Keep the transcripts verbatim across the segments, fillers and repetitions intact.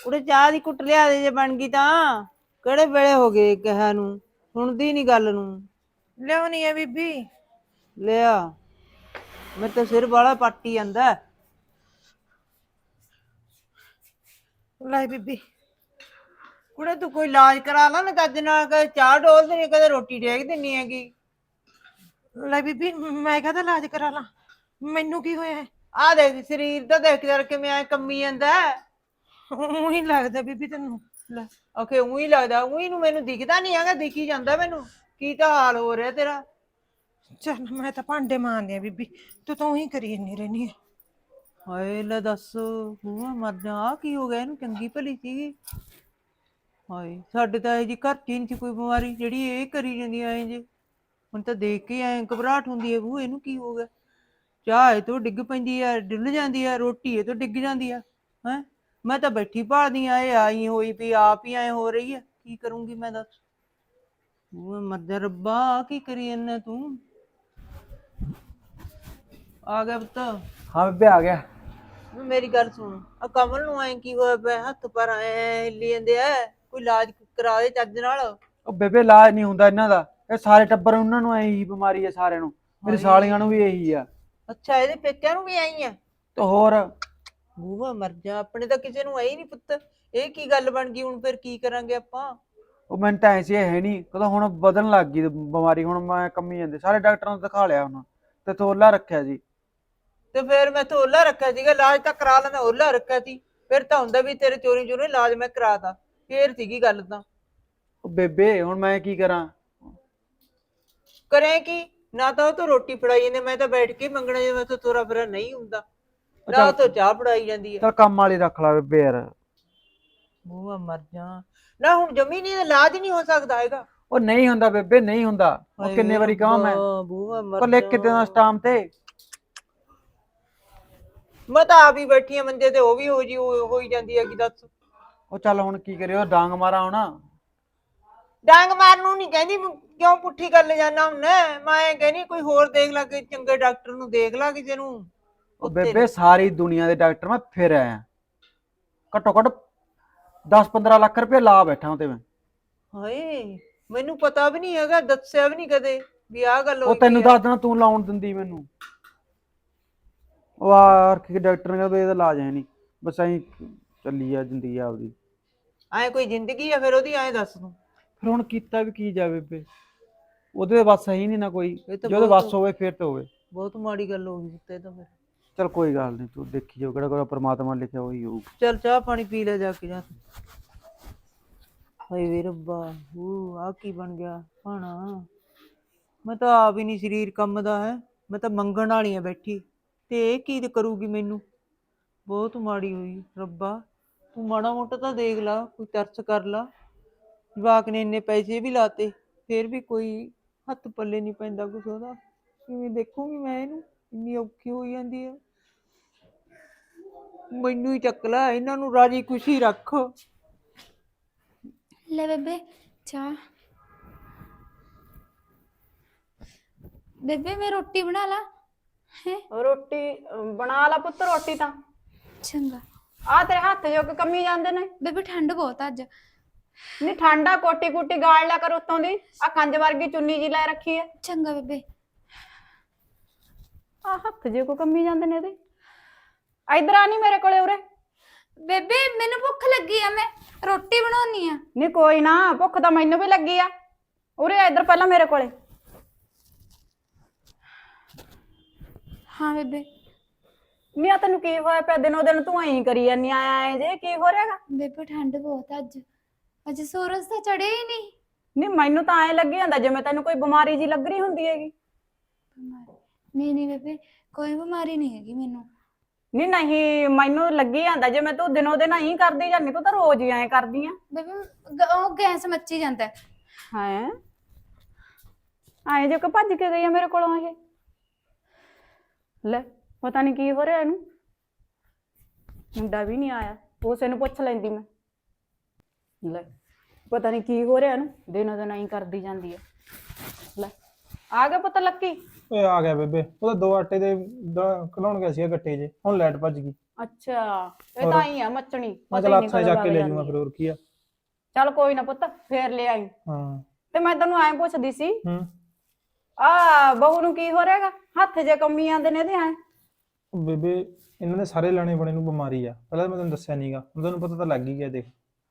ਉਰੇ ਚਾਹ ਦੀ ਕੁੱਟ ਲਿਆ ਦੇ ਜੇ ਬਣ ਗਈ ਤਾਂ। ਕਿਹੜੇ ਵੇਲੇ ਹੋ ਗਏ ਕਿਹਾ ਨੂੰ, ਸੁਣਦੀ ਨੀ ਗੱਲ ਨੂੰ। ਲਿਆਉਣੀ ਆ ਬੀਬੀ। ਲਿਆ, ਮੇਰੇ ਤਾਂ ਸਿਰ ਵਾਲਾ ਪੱਟੀ ਜਾਂਦਾ। ਲੈ ਬੀਬੀ। ਕੁੜੇ ਤੂੰ ਕੋਈ ਇਲਾਜ ਕਰਾ ਲਾ ਨਾ ਚੱਜ ਨਾਲ, ਕਦੇ ਚਾਹ ਡੋਲ ਦਿੰਦੀ, ਕਦੇ ਰੋਟੀ ਡੇਗ ਦਿੰਨੀ ਹੈਗੀ। ਲੈ ਬੀਬੀ ਮੈਂ ਕਾਹਦਾ ਇਲਾਜ ਕਰਾ ਲਾਂ, ਮੈਨੂੰ ਕੀ ਹੋਇਆ? ਆਹ ਦੇਖ ਸਰੀਰ ਤਾਂ ਦੇਖ ਯਾਰ ਕਿਵੇਂ ਐ ਕੰਮੀ ਜਾਂਦਾ। ਉਹੀ ਲੱਗਦਾ ਬੀਬੀ ਤੈਨੂੰ। ਲੈ ਆਖੇ ਉਹੀ ਲੱਗਦਾ, ਉਹੀ ਨੂੰ ਮੈਨੂੰ ਦਿਖਦਾ ਨੀ ਹੈਗਾ, ਦਿਖੀ ਜਾਂਦਾ ਮੈਨੂੰ। ਕੀ ਤਾਂ ਹਾਲ ਹੋ ਰਿਹਾ ਤੇਰਾ। ਚੱਲ ਮੈਂ ਤਾਂ ਭਾਂਡੇ ਮਾਂਜਦੀ ਆ ਬੀਬੀ, ਤੂੰ ਤਾਂ ਉਹੀ ਕਰੀ ਇੰਨੀ ਰਹਿਨੀ ਆ। ਹਾਏ ਲੈ ਦੱਸ, ਬੂਹਾ ਮਰ ਜਾ, ਆਹ ਕੀ ਹੋ ਗਿਆ ਇਹਨੂੰ, ਚੰਗੀ ਭਲੀ ਸੀਗੀ। ਹਾਏ ਸਾਡੇ ਤਾਂ ਇਹ ਜੀ ਘਰ ਚ ਹੀ ਨੀ ਸੀ ਕੋਈ ਬਿਮਾਰੀ ਜਿਹੜੀ ਇਹ ਕਰੀ ਜਾਂਦੀ ਐ ਜੇ। ਹੁਣ ਤਾਂ ਦੇਖ ਕੇ ਐ ਘਬਰਾਹਟ ਹੁੰਦੀ ਹੈ, ਬੂ ਇਹਨੂੰ ਕੀ ਹੋ ਗਿਆ। ਚਾਹ ਇਹ ਤੋਂ ਡਿੱਗ ਪੈਂਦੀ ਹੈ, ਡੁੱਲ ਜਾਂਦੀ ਹੈ, ਰੋਟੀ ਇਹ ਤੋਂ ਡਿੱਗ ਜਾਂਦੀ ਹੈ। ਹੈਂ ਮੈਂ ਤਾਂ ਬੈਠੀ ਭਾਲਦੀ ਆ, ਇਹ ਆਈ ਹੋਈ ਵੀ ਆਪ ਹੀ ਐ ਹੋ ਰਹੀ ਹੈ, ਕੀ ਕਰੂੰਗੀ ਮੈਂ ਦੱਸ। ਉਹ ਮਰ ਜਾ ਰੱਬਾ, ਆਹ ਕੀ ਕਰੀ ਜਾਂਦਾ ਤੂੰ। ਆ ਗਿਆ ਪੁੱਤ। ਹਾਂ ਬੇਬੇ ਆ ਗਿਆ। ਮੇਰੀ ਗੱਲ ਸੁਣ, ਆ ਕਮਲ ਨੂੰ ਐ ਕੀ ਹੋਇਆ ਪਿਆ, ਹੱਥ ਪਰ ਐ ਹਿੱਲੀ ਜਾਂਦੇ ਐ, ਕੋਈ ਇਲਾਜ ਕਰਾ ਦੇ ਚੱਜ ਨਾਲ। ਉਹ ਬੇਬੇ ਇਲਾਜ ਨਹੀਂ ਹੁੰਦਾ ਇਹਨਾਂ ਦਾ, ਇਹ ਸਾਰੇ ਟੱਬਰ ਉਹਨਾਂ ਨੂੰ ਇਹੀ ਬਿਮਾਰੀ ਹੈ ਸਾਰਿਆਂ ਨੂੰ, ਮੇਰੀ ਸਾਲੀਆਂ ਨੂੰ ਵੀ ਇਹੀ ਆ। ਅੱਛਾ ਇਹਦੇ ਪੇਕਿਆਂ ਨੂੰ ਵੀ ਆਈ ਆ? ਤੇ ਹੋਰ। ਬੂਹਾ ਮਰ ਜਾ, ਆਪਣੇ ਤਾਂ ਕਿਸੇ ਨੂੰ ਆਈ ਨੀ ਪੁੱਤ। ਇਹ ਕੀ ਗੱਲ ਬਣ ਗਈ ਹੁਣ, ਫਿਰ ਕੀ ਕਰਾਂਗੇ ਆਪਾਂ। ਉਹ ਮੈਨੂੰ ਤਾਂ ਐਸੀ ਹੈ ਨਹੀਂ, ਕਹਿੰਦਾ ਹੁਣ ਵਧਣ ਲੱਗ ਗਈ ਬਿਮਾਰੀ, ਹੁਣ ਮੈਂ ਕੰਮੀ ਜਾਂਦੇ, ਸਾਰੇ ਡਾਕਟਰਾਂ ਨੂੰ ਦਿਖਾ ਲਿਆ ਹੁਣ, ਤੇ ਤੋਲਾ ਰੱਖਿਆ ਜੀ। ਤੇ ਫੇਰ ਮੈਂ ਤਾਂ ਓਲਾ ਰੱਖਿਆ ਸੀਗਾ, ਇਲਾਜ ਤਾਂ ਕਰਾ ਲੈਂਦਾ, ਓਲਾ ਰੱਖਿਆ ਸੀ। ਫਿਰ ਤਾਂ ਹੁੰਦਾ ਵੀ ਤੇਰੇ ਚੋਰੀ ਚੋਰੀ ਇਲਾਜ ਮੈਂ ਕਰਾਤਾ, ਫੇਰ ਸੀਗੀ ਗੱਲ ਤਾਂ। ਉਹ ਬੇਬੇ ਹੁਣ ਮੈਂ ਕੀ ਕਰਾਂ। ਕਰੇ ਕੀ, ਨਾ ਤਾਂ ਉਹ ਤੋਂ ਰੋਟੀ ਫੜਾਈ ਜਾਂਦੇ, ਮੈਂ ਤਾਂ ਬੈਠ ਕੇ ਮੰਗਣਾ, ਜੇ ਮੈਂ ਤੋਂ ਤੋਰਾ ਫੇਰਾ ਨਹੀਂ ਹੁੰਦਾ। ਨਾ ਚੱਲ ਉਹ ਤੋਂ ਚਾਹ ਫੜਾਈ ਜਾਂਦੀ ਹੈ। ਚੱਲ ਕੰਮ ਵਾਲੀ ਰੱਖ ਲਾ ਬੇਬੇ ਯਾਰ। ਬੂਹਾ ਮਰ ਜਾ, ਨਾ ਹੁਣ ਜਮੀ ਨੀ ਇਲਾਜ ਨਹੀਂ ਹੋ ਸਕਦਾ ਹੈਗਾ। ਉਹ ਨਹੀਂ ਹੁੰਦਾ ਬੇਬੇ, ਨਹੀਂ ਹੁੰਦਾ, ਉਹ ਹਾਏ ਕਿੰਨੇ ਵੇ ਵਾਰੀ ਕਹਾਂ ਮੈਂ, ਰੱਬਾ, ਬੂਹਾ ਮਰ ਉਹ ਲਿਖ ਜਾ। ਕੇ ਦੇਣਾ ਸਟਾਮ ਤੇ। ਮੈਂ ਤਾਂ ਆਪ ਹੀ ਬੈਠੀ ਆ ਮੰਜੇ ਤੇ, ਉਹ ਵੀ ਹੋ ਜੀ ਹੋਈ ਜਾਂਦੀ ਹੈ, ਕੀ ਦੱਸ। ਉਹ ਚੱਲ ਹੁਣ ਕੀ ਕਰਿਓ, ਡਾਂਗ ਮਾਰਾ ਹੁਣ। ਡਾਂਗ ਮਾਰਨ ਨੂੰ ਨੀ ਕਹਿੰਦੀ, ਕਿਉਂ ਪੁੱਠੀ ਗੱਲ ਜਾਨਾ ਹੁਣ, ਮੈਂ ਕਹਿੰਦੀ ਕੋਈ ਹੋਰ ਦੇਖ ਲਾ, ਕੋਈ ਚੰਗੇ ਡਾਕਟਰ ਨੂੰ ਦੇਖ ਲਾ ਕਿਸੇ ਨੂੰ। ਉਹ ਉੱਤੇ ਬੇਬੇ ਸਾਰੀ ਦੁਨੀਆ ਦੇ ਡਾਕਟਰ ਮੈਂ ਫਿਰ ਆਇਆ, ਘੱਟੋ ਘੱਟ ਦਸ ਪੰਦਰਾਂ ਲੱਖ ਰੁਪਏ ਲਾ ਬੈਠਾ ਉਹਤੇ ਮੈਂ। ਹਾਏ ਮੈਨੂੰ ਪਤਾ ਵੀ ਨਹੀਂ ਹੈਗਾ, ਦੱਸਿਆ ਵੀ ਨਹੀਂ ਕਦੇ ਵੀ ਆਹ ਗੱਲ ਉਹ ਹੋਈ ਪਈ ਤੈਨੂੰ ਹੈ। ਦੱਸ ਦੇਣਾ, ਤੂੰ ਲਾਉਣ ਦਿੰਦੀ ਮੈਨੂੰ। ਉਹ ਆ ਕਿ ਡਾਕਟਰ ਨੇ ਕਹਿੰਦਾ ਇਹਦਾ ਇਲਾਜ ਹੈ ਨਹੀਂ, ਬਸ ਐਂ ਚੱਲੀ ਆ ਜ਼ਿੰਦਗੀ ਆਪਦੀ। ਐ ਕੋਈ ਜ਼ਿੰਦਗੀ ਆ ਫਿਰ ਉਹਦੀ, ਐਂ ਦੱਸ ਤੂੰ। ਫਿਰ ਹੁਣ ਕੀਤਾ ਵੀ ਕੀ ਜਾਵੇ ਬੇਬੇ, ਉਹਦੇ ਵੱਸ ਹੈ ਹੀ ਨਹੀਂ ਨਾ ਕੋਈ, ਇਹ ਤਾਂ ਜੇ ਉਹਦੇ ਬਹੁਤ ਵੱਸ ਹੋਵੇ ਫਿਰ ਤੇ ਹੋਵੇ। ਬਹੁਤ ਮਾੜੀ ਗੱਲ ਹੋ ਗਈ ਤੇ ਤਾਂ ਫਿਰ। ਚਲ ਕੋਈ ਗੱਲ ਨਹੀਂ, ਤੂੰ ਦੇਖੀ ਜਾਓ, ਕਿਹੜਾ ਕੋਈ ਪਰਮਾਤਮਾ ਲਿਖਿਆ ਉਹੀ ਹੋਊ। ਚੱਲ ਚਾਹ ਪਾਣੀ ਪੀ ਲੈ ਜਾ ਕੇ ਜਾ। ਹਾਏ ਵੇ ਰੱਬਾ, ਉਹ ਆ ਕੀ ਬਣ ਗਿਆ ਭਾਣਾ। ਮੈਂ ਤਾਂ ਆਪ ਹੀ ਨੀ ਸਰੀਰ ਕੰਮ ਦਾ ਹੈ, ਮੈਂ ਤਾਂ ਮੰਗਣ ਵਾਲੀ ਆ ਬੈਠੀ, ਤੇ ਇਹ ਕੀ ਕਰੂਗੀ ਮੈਨੂੰ। ਬਹੁਤ ਮਾੜੀ ਹੋਈ ਰੱਬਾ, ਤੂੰ ਮਾੜਾ ਮੋਟਾ ਤਾਂ ਦੇਖ ਲਾ, ਕੋਈ ਤਰਸ ਕਰ ਲਾ। ਜਵਾਕ ਨੇ ਇੰਨੇ ਪੈਸੇ ਵੀ ਲਾਤੇ, ਫੇਰ ਵੀ ਕੋਈ ਹੱਥ ਪੱਲੇ ਨੀ ਪੈਂਦਾ ਕੁਛ ਉਹਦਾ। ਕਿਵੇਂ ਦੇਖੂਗੀ ਮੈਂ ਇਹਨੂੰ, ਇੰਨੀ ਔਖੀ ਹੋਈ ਜਾਂਦੀ ਹੈ। ਮੈਨੂੰ ਹੀ ਚੱਕ ਲੈ, ਇਹਨਾਂ ਨੂੰ ਰਾਜੀ ਖੁਸ਼ੀ ਰੱਖ। ਲੈ ਬੇਬੇ ਚਾਹ। ਬੇਬੇ ਮੈਂ ਰੋਟੀ ਬਣਾ ਲਾ ਹੈ। ਰੋਟੀ ਬਣਾ ਲਾ ਪੁੱਤ, ਰੋਟੀ ਤਾਂ ਚੰਗਾ। ਆ ਤੇਰੇ ਹੱਥ ਜੋ ਕਿ ਕੰਮੀ ਜਾਂਦੇ ਨੇ। ਬੇਬੇ ਠੰਡ ਬਹੁਤ ਅੱਜ। ਨੀ ਠੰਡਾ ਕੋਟੀ ਕੁੱਟੀ ਗਾਲ ਲਿਆ ਕਰ ਉੱਤੋਂ ਦੀ, ਆ ਕੰਜ ਵਰਗੀ ਚੁੰਨੀ ਜੀ ਲੈ ਰੱਖੀ ਐ। ਚੰਗਾ ਬੇਬੇ। ਆ ਹੱਥ ਜੇ ਕੋ ਕੰਮੀ ਜਾਂਦੇ ਨੇ ਇਹਦੇ। ਇਧਰ ਆ ਨੀ ਮੇਰੇ ਕੋਲੇ ਉਰੇ। ਬੇਬੇ ਮੈਨੂੰ ਭੁੱਖ ਲੱਗੀ ਆ, ਮੈਂ ਰੋਟੀ ਬਣਾਉਣੀ ਆ। ਨੀ ਕੋਈ ਨਾ, ਭੁੱਖ ਤਾਂ ਮੈਨੂੰ ਵੀ ਲੱਗੀ ਆ। ਉਰੇ ਇਧਰ ਪਹਿਲਾਂ ਮੇਰੇ ਕੋਲੇ। ਹਾਂ ਬੇਬੇ। ਨੀ ਆ ਤੈਨੂੰ ਕੀ ਹੋਇਆ ਪਿਆ, ਦਿਨੋਂ ਦਿਨ ਤੂੰ ਐਂ ਕਰੀ ਜਾਨੀ ਆ ਐ ਜੇ, ਕੀ ਹੋ ਰਿਹਾਗਾ? ਬੇਬੇ ਠੰਡ ਬਹੁਤ ਅੱਜ, ਅੱਜ ਸੂਰਜ ਤਾਂ ਚੜਿਆ ਹੀ ਨਹੀਂ। ਨੀ ਮੈਨੂੰ ਤਾਂ ਐਂ ਲੱਗੀ ਜਾਂਦਾ ਜਿਵੇਂ ਤੈਨੂੰ ਕੋਈ ਬਿਮਾਰੀ ਜੀ ਲੱਗ ਰਹੀ ਹੁੰਦੀ ਹੈਗੀ। ਨਹੀਂ ਨਹੀਂ ਬੇਬੇ, ਕੋਈ ਬਿਮਾਰੀ ਨਹੀਂ ਹੈਗੀ ਮੈਨੂੰ। ਨੀ ਨਹੀਂ, ਮੈਨੂੰ ਲੱਗੀ ਜਾਂਦਾ ਜਿਵੇਂ ਤੂੰ ਦਿਨੋਂ ਦਿਨ ਐਂ ਕਰਦੀ ਜਾਂਦੀ, ਤੂੰ ਤਾਂ ਰੋਜ਼ ਹੀ ਐਂ ਕਰਦੀ ਆ। ਬੇਬੇ ਉਹ ਗੈਸ ਮੱਚੀ ਜਾਂਦਾ ਹੈ। ਐਂ ਜੇ ਕਿ ਭੱਜ ਕੇ ਗਈ ਆ ਮੇਰੇ ਕੋਲੋਂ ਇਹ। ਲੈ ਪਤਾ ਨੀ ਕੀ ਹੋ ਰਿਹਾ ਇਹਨੂੰ, ਮੁੰਡਾ ਵੀ ਨਹੀਂ ਆਇਆ, ਉਸੇ ਨੂੰ ਪੁੱਛ ਲੈਂਦੀ ਮੈਂ। ਲੈ ਪਤਾ ਨੀ ਕੀ ਹੋ ਰਿਹਾ ਇਹਨੂੰ, ਦਿਨੋਂ ਦਿਨ ਐਂ ਕਰਦੀ ਜਾਂਦੀ ਹੈ। ਲੈ ਆ ਗਿਆ ਪੁੱਤ ਲੱਕੀ। ਓਏ ਆ ਗਿਆ ਬੇਬੇ, ਉਹ ਤਾਂ ਦੋ ਆਟੇ ਦੇ ਖਲਾਉਣ ਗਿਆ ਸੀਗਾ ਗੱਟੇ 'ਚ, ਹੁਣ ਲਾਈਟ ਭੱਜ ਗਈ। ਅੱਛਾ ਇਹ ਹੋਰ? ਤਾਂ ਹੀ ਆ ਮੱਚਣੀ ਮੈਂ ਪਤਾ ਚਲ ਹੀ ਨਹੀਂ ਹੱਥਾਂ 'ਚ ਕਦੋਂ ਚੱਕ ਕੇ ਵਗ ਲੈ ਜਾਂਦੀ ਜਾਊਂਗਾ ਆ। ਫਿਰ ਹੋਰ ਕੀ ਆ। ਚੱਲ ਕੋਈ ਨਾ ਪੁੱਤ ਫੇਰ ਲੈ ਆਈ। ਹਾਂ। ਤੇ ਮੈਂ ਤੈਨੂੰ ਐਂ ਪੁੱਛਦੀ ਸੀ ਹੂੰ। ਆ ਬਹੂ ਨੂੰ ਕੀ ਹੋ ਰਿਹਾਗਾ ਹੱਥ ਜੇ ਕੰਮੀ ਆਂਦੇ ਨੇ ਇਹਦੇ ਐ। ਉਹ ਬੇਬੇ ਇਹਨਾਂ ਦੇ ਸਾਰੇ ਲਾਣੇ ਬਣੇ ਨੂੰ ਬਿਮਾਰੀ ਆ, ਪਹਿਲਾਂ ਤਾਂ ਮੈਂ ਤੈਨੂੰ ਦੱਸਿਆ ਨਹੀਂਗਾ, ਹੁਣ ਤੈਨੂੰ ਪਤਾ ਤਾਂ ਲੱਗ ਹੀ ਗਿਆ ਦੇਖ।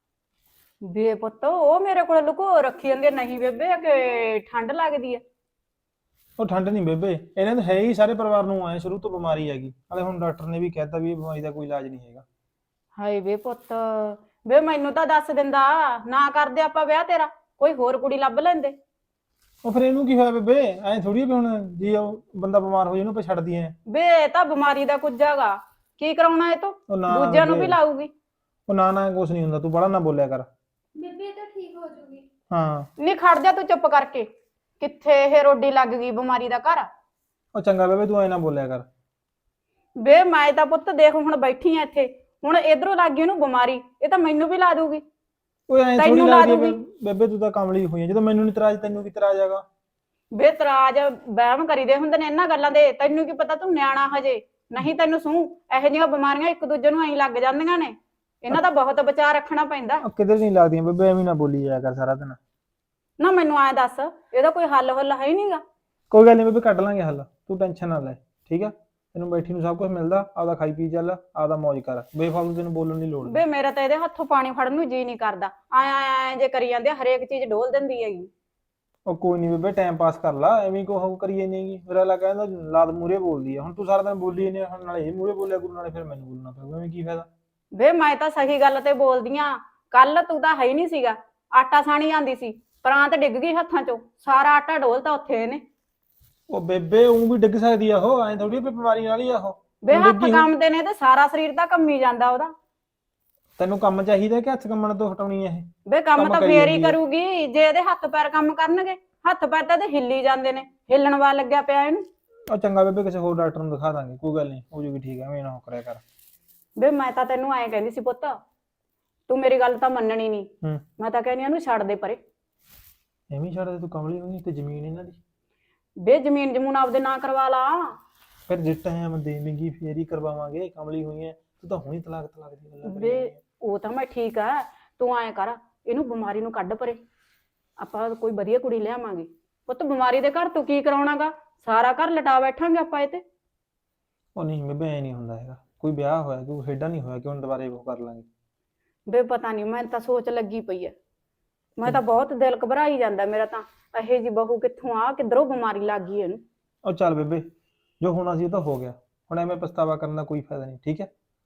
ਬੇ ਪੁੱਤ ਉਹ ਮੇਰੇ ਕੋਲ ਲੁਕੋ ਰੱਖੀ ਜਾਂਦੀ ਆ। ਨਹੀਂ ਬੇਬੇ ਕਿ ਠੰਡ ਲੱਗਦੀ ਆ। ਉਹ ਠੰਡ ਨਹੀਂ ਬੇਬੇ, ਇਹਨਾਂ ਨੂੰ ਹੈ ਹੀ ਸਾਰੇ ਪਰਿਵਾਰ ਨੂੰ ਆਏ ਸ਼ੁਰੂ ਤੋਂ ਬਿਮਾਰੀ ਹੈਗੀ, ਨਾਲੇ ਹੁਣ ਡਾਕਟਰ ਨੇ ਵੀ ਕਹਿਤਾ ਵੀ ਇਹ ਬਿਮਾਰੀ ਦਾ ਕੋਈ ਇਲਾਜ ਨਹੀਂ ਹੈਗਾ। ਹਾਏ ਵੇ ਪੁੱਤ ਵੇ ਮੈਨੂੰ ਤਾਂ ਦੱਸ ਦਿੰਦਾ ਨਾ ਕਰਦੇ ਆਪਾਂ ਵਿਆਹ ਤੇਰਾ ਕੋਈ ਹੋਰ ਕੁੜੀ ਲੱਭ ਲੈਂਦੇ। ਉਹ ਫਿਰ ਇਹਨੂੰ ਕੀ ਹੋਇਆ ਬੇਬੇ, ਐਂ ਥੋੜੀ ਵੀ ਹੁਣ ਜੀ ਉਹ ਬੰਦਾ ਬਿਮਾਰ ਹੋ ਜਾਏ ਉਹਨੂੰ ਆਪਾਂ ਛੱਡ ਦਈਏ। ਵੇ ਇਹ ਤਾਂ ਬਿਮਾਰੀ ਦਾ ਕੁਝ ਹੈਗਾ ਕੀ ਕਰਾਉਣਾ ਇਹ ਤੋਂ ਉਹ ਨਾ ਦੂਜਿਆਂ ਨੂੰ ਵੀ ਬੇਬੇ, ਲਾਊਗੀ। ਉਹ ਨਾ ਨਾ ਕੁਛ ਨਹੀਂ ਹੁੰਦਾ, ਤੂੰ ਬੜਾ ਨਾ ਬੋਲਿਆ ਕਰ। ਬੇਬੇ ਇਹ ਤਾਂ ਠੀਕ ਹੋ ਜਾਊਗੀ। ਹਾਂ। ਨਹੀਂ ਖੜ ਜਾ ਤੂੰ ਚੁੱਪ ਕਰਕੇ ਕਿੱਥੇ ਇਹ ਰੋਡੀ ਲੱਗ ਗਈ ਬਿਮਾਰੀ ਦਾ ਘਰ। ਉਹ ਚੰਗਾ ਬੇਬੇ ਤੂੰ ਐਂ ਨਾ ਬੋਲਿਆ ਕਰ। ਵੇ ਮੈਂ ਤਾਂ ਪੁੱਤ ਦੇਖ ਹੁਣ ਬੈਠੀ ਆ ਇੱਥੇ ਹੁਣ ਇਧਰੋਂ ਲੱਗ ਗਈ ਉਹਨੂੰ ਬਿਮਾਰੀ ਇਹ ਤਾਂ ਮੈਨੂੰ ਵੀ ਲਾ ਦੂਗੀ। ਓਏ ਐਂ ਥੋੜੀ ਤੈਨੂੰ ਲਾ ਲੱਗਦੀ ਆ ਦੂਗੀ। ਬੇ- ਬੇਬੇ ਤੂੰ ਤਾਂ ਕਮਲੀ ਹੋਈ ਆ, ਜਦੋਂ ਮੈਨੂੰ ਨਹੀਂ ਤਰਾਜ ਤੈਨੂੰ ਕੀ ਤਰਾਜ ਹੈਗਾ। ਵੇ ਤਰਾਜ ਵਹਿਮ ਕਰੀਦੇ ਹੁੰਦੇ ਨੇ ਇਹਨਾਂ ਗੱਲਾਂ ਦੇ ਤੈਨੂੰ ਕੀ ਪਤਾ ਤੂੰ ਨਿਆਣਾ ਹਜੇ ਨਹੀਂ ਤੈਨੂੰ ਸੂ ਇਹੋ ਜਿਹੀਆਂ ਬਿਮਾਰੀਆਂ ਇੱਕ ਦੂਜੇ ਨੂੰ ਐਂ ਲੱਗ ਜਾਂਦੀਆਂ ਨੇ ਇਹਨਾਂ ਦਾ ਬਹੁਤ ਬਚਾਅ ਰੱਖਣਾ ਪੈਂਦਾ। ਉਹ ਕਿਧਰ ਨਹੀਂ ਲੱਗਦੀਆਂ ਬੇਬੇ, ਐਵੇਂ ਨਾ ਬੋਲੀ ਜਾਇਆ ਕਰ ਸਾਰਾ ਦਿਨ। ਨਾ ਮੈਨੂੰ ਐਂ ਦੱਸ ਇਹਦਾ ਕੋਈ ਹੱਲ ਹੁੱਲ ਹੈ ਹੀ ਨਹੀਂਗਾ। ਕੋਈ ਗੱਲ ਨਹੀਂ ਬੇਬੇ ਕੱਢ ਲਾਂਗੇ ਹੱਲ, ਤੂੰ ਟੈਨਸ਼ਨ ਨਾ ਲੈ ਠੀਕ ਆ। ਤੈਨੂੰ ਬੈਠੀ ਨੂੰ ਸਭ ਕੁਝ ਮਿਲਦਾ, ਆਪਦਾ ਖਾਈ ਪੀ ਚੱਲ, ਆਪਦਾ ਮौज ਕਰ, ਬੇਫਾਲਤੂ ਤੈਨੂੰ ਬੋਲਣ ਦੀ ਲੋੜ ਵੇ ਨਹੀਂ। ਮੇਰਾ ਤਾਂ ਇਹਦੇ ਹੱਥੋਂ ਪਾਣੀ ਫੜਨ ਨੂੰ ਜੀ ਨਹੀਂ ਕਰਦਾ ਆਏ ਆਏ ਜੇ ਕਰੀ ਜਾਂਦੇ ਆ, ਹਰੇਕ ਚੀਜ਼ ਡੋਲ ਦਿੰਦੀ ਹੈਗੀ। ਉਹ ਕੋਈ ਨਹੀਂ ਬੇਬੇ ਟਾਈਮ ਪਾਸ ਕਰ ਲਾ, ਐਵੇਂ ਕੋ ਹੋ ਕਰੀ ਜਾਂਦੀ ਹੈਗੀ। ਮੇਰਾ ਲਾ ਕਹਿੰਦਾ ਲਾਦ ਮੂਰੇ ਬੋਲਦੀ ਆ, ਹੁਣ ਤੂੰ ਸਾਰਾ ਦਿਨ ਬੋਲੀ ਨਹੀਂ, ਹੁਣ ਨਾਲੇ ਇਹ ਮੂਰੇ ਬੋਲਿਆ ਗੁਰੂ ਨਾਲੇ ਫਿਰ ਮੈਨੂੰ ਬੋਲਣਾ ਪਊਗਾ, ਐਵੇਂ ਕੀ ਫਾਇਦਾ। ਵੇ ਮੈਂ ਤਾਂ ਸਹੀ ਗੱਲ ਤੇ ਬੋਲਦੀ ਆ ਕੱਲ ਤੂੰ ਤਾਂ ਹੈ ਹੀ ਨਹੀਂ ਸੀਗਾ ਆਟਾ ਸਾਣੀ ਜਾਂਦੀ ਸੀ ਪ੍ਰਾਂਤ ਡਿੱਗ ਗਈ ਹੱਥਾਂ ਚੋਂ ਸਾਰਾ ਆਟਾ ਡੋਲਤਾ ਉੱਥੇ ਇਹਨੇ। ਉਹ ਬੇਬੇ ਉਹ ਵੀ ਡਿੱਗ ਸਕਦੀ ਆ, ਉਹ ਐਂ ਥੋੜੀ ਵੀ ਬਿਮਾਰੀ ਨਾਲ ਹੀ ਆ ਉਹ। ਵੇ ਹੁਣ ਹੱਥ ਡਿੱਗੀ ਹੋਈ- ਕੰਮਦੇ ਨੇ ਤੇ ਸਾਰਾ ਸਰੀਰ ਤਾਂ ਕੰਮੀ ਜਾਂਦਾ ਉਹਦਾ। ਤੈਨੂੰ ਕੰਮ ਚਾਹੀਦਾ ਕਿ ਹੱਥ ਕੰਮਣ ਤੋਂ ਹਟਾਉਣੀ ਆ ਇਹ। ਵੇ ਕੰਮ ਕੰਮ ਤਾਂ ਕਰੀ ਫੇਰ ਹੀ ਜਾਂਦੀ ਆ। ਕਰੂਗੀ ਜੇ ਇਹਦੇ ਹੱਥ ਪੈਰ ਕੰਮ ਕਰਨਗੇ। ਹੱਥ ਪੈਰ ਤਾਂ ਇਹਦੇ ਹਿੱਲੀ ਜਾਂਦੇ ਨੇ ਹਿੱਲਣ ਵਾਲ ਲੱਗਿਆ ਪਿਆ ਇਹਨੂੰ। ਉਹ ਚੰਗਾ ਬੇਬੇ ਕਿਸੇ ਹੋਰ ਡਾਕਟਰ ਨੂੰ ਦਿਖਾ ਦਾਂਗੇ, ਕੋਈ ਗੱਲ ਨਹੀਂ ਹੋ ਜੂਗੀ ਠੀਕ, ਐਵੇਂ ਨਾ ਹੋ ਕਰਿਆ ਕਰ। ਵੇ ਮੈਂ ਤਾਂ ਤੈਨੂੰ ਐਂ ਕਹਿੰਦੀ ਸੀ ਪੁੱਤ ਤੂੰ ਮੇਰੀ ਗੱਲ ਤਾਂ ਮੰਨਣੀ ਨਹੀਂ। ਹੂੰ। ਮੈਂ ਤਾਂ ਕਹਿੰਦੀ ਇਹਨੂੰ ਛੱਡ ਦੇ ਪਰੇ। ਐਵੇਂ ਛੱਡ ਦੇ, ਤੂੰ ਕਮਲੀ ਹੋਈ ਤੇ ਜ਼ਮੀਨ ਇਹਨਾਂ ਦੀ। ਵੇ ਜ਼ਮੀਨ ਜਮੂਨ ਆਪਦੇ ਨਾਂ ਕਰਵਾ ਲਾ। ਫਿਰ ਜੇ ਟਾਈਮ ਦੇਵੇਂਗੀ ਫੇਰ ਹੀ ਕਰਵਾਵਾਂਗੇ, ਕਮਲੀ ਹੋਈ ਐ ਤੂੰ ਤਾਂ ਹੁਣੀ ਤਲਾਕ ਤਲਾਕ ਦੀ ਗੱਲਾਂ ਕਰੀ ਵੇ ਜਾਂਦੀ ਐ। ਉਹ ਤਾਂ ਮੈਂ ਠੀਕ ਆ ਤੂੰ ਐਂ ਕਰ ਇਹਨੂੰ ਬਿਮਾਰੀ ਨੂੰ ਕੱਢ ਪਰੇ ਆਪਾਂ ਕੋਈ ਵਧੀਆ ਕੁੜੀ ਲਿਆਵਾਂਗੇ। ਪੁੱਤ ਬਿਮਾਰੀ ਦੇ ਘਰ ਤੂੰ ਕੀ ਕਰਾਉਣਾਗਾ ਸਾਰਾ ਘਰ ਲਟਾ ਬੈਠਾਂਗੇ ਆਪਾਂ ਇਹ ਤੇ। ਉਹ ਨਹੀਂ ਬੇਬੇ ਐ ਨਹੀਂ ਹੁੰਦਾ ਹੈਗਾ, ਕੋਈ ਵਿਆਹ ਹੋਇਆ ਕੋਈ ਖੇਡਾ ਨਹੀਂ ਹੋਇਆ ਕਿ ਹੁਣ ਦੁਬਾਰੇ ਉਹ ਕਰ ਲਾਂਗੇ। ਵੇ ਪਤਾ ਨਹੀਂ ਮੈਂ ਤਾਂ ਸੋਚ ਲੱਗੀ ਪਈ ਐ ਮੈਂ ਤਾਂ ਬਹੁਤ ਦਿਲ ਘਬਰਾਈ ਜਾਂਦਾ ਮੇਰਾ ਤਾਂ ਇਹੇ ਜੀ ਬਹੂ ਕਿੱਥੋਂ ਆ ਕਿੱਧਰੋਂ ਬਿਮਾਰੀ ਲੱਗ ਗਈ ਇਹਨੂੰ। ਉਹ ਚੱਲ ਬੇਬੇ ਜੋ ਹੋਣਾ ਸੀ ਉਹ ਤਾਂ ਹੋ ਗਿਆ, ਹੁਣ ਐਵੇਂ ਪਛਤਾਵਾ ਕਰਨ ਦਾ ਕੋਈ ਫਾਇਦਾ ਨਹੀਂ ਠੀਕ ਹੈ।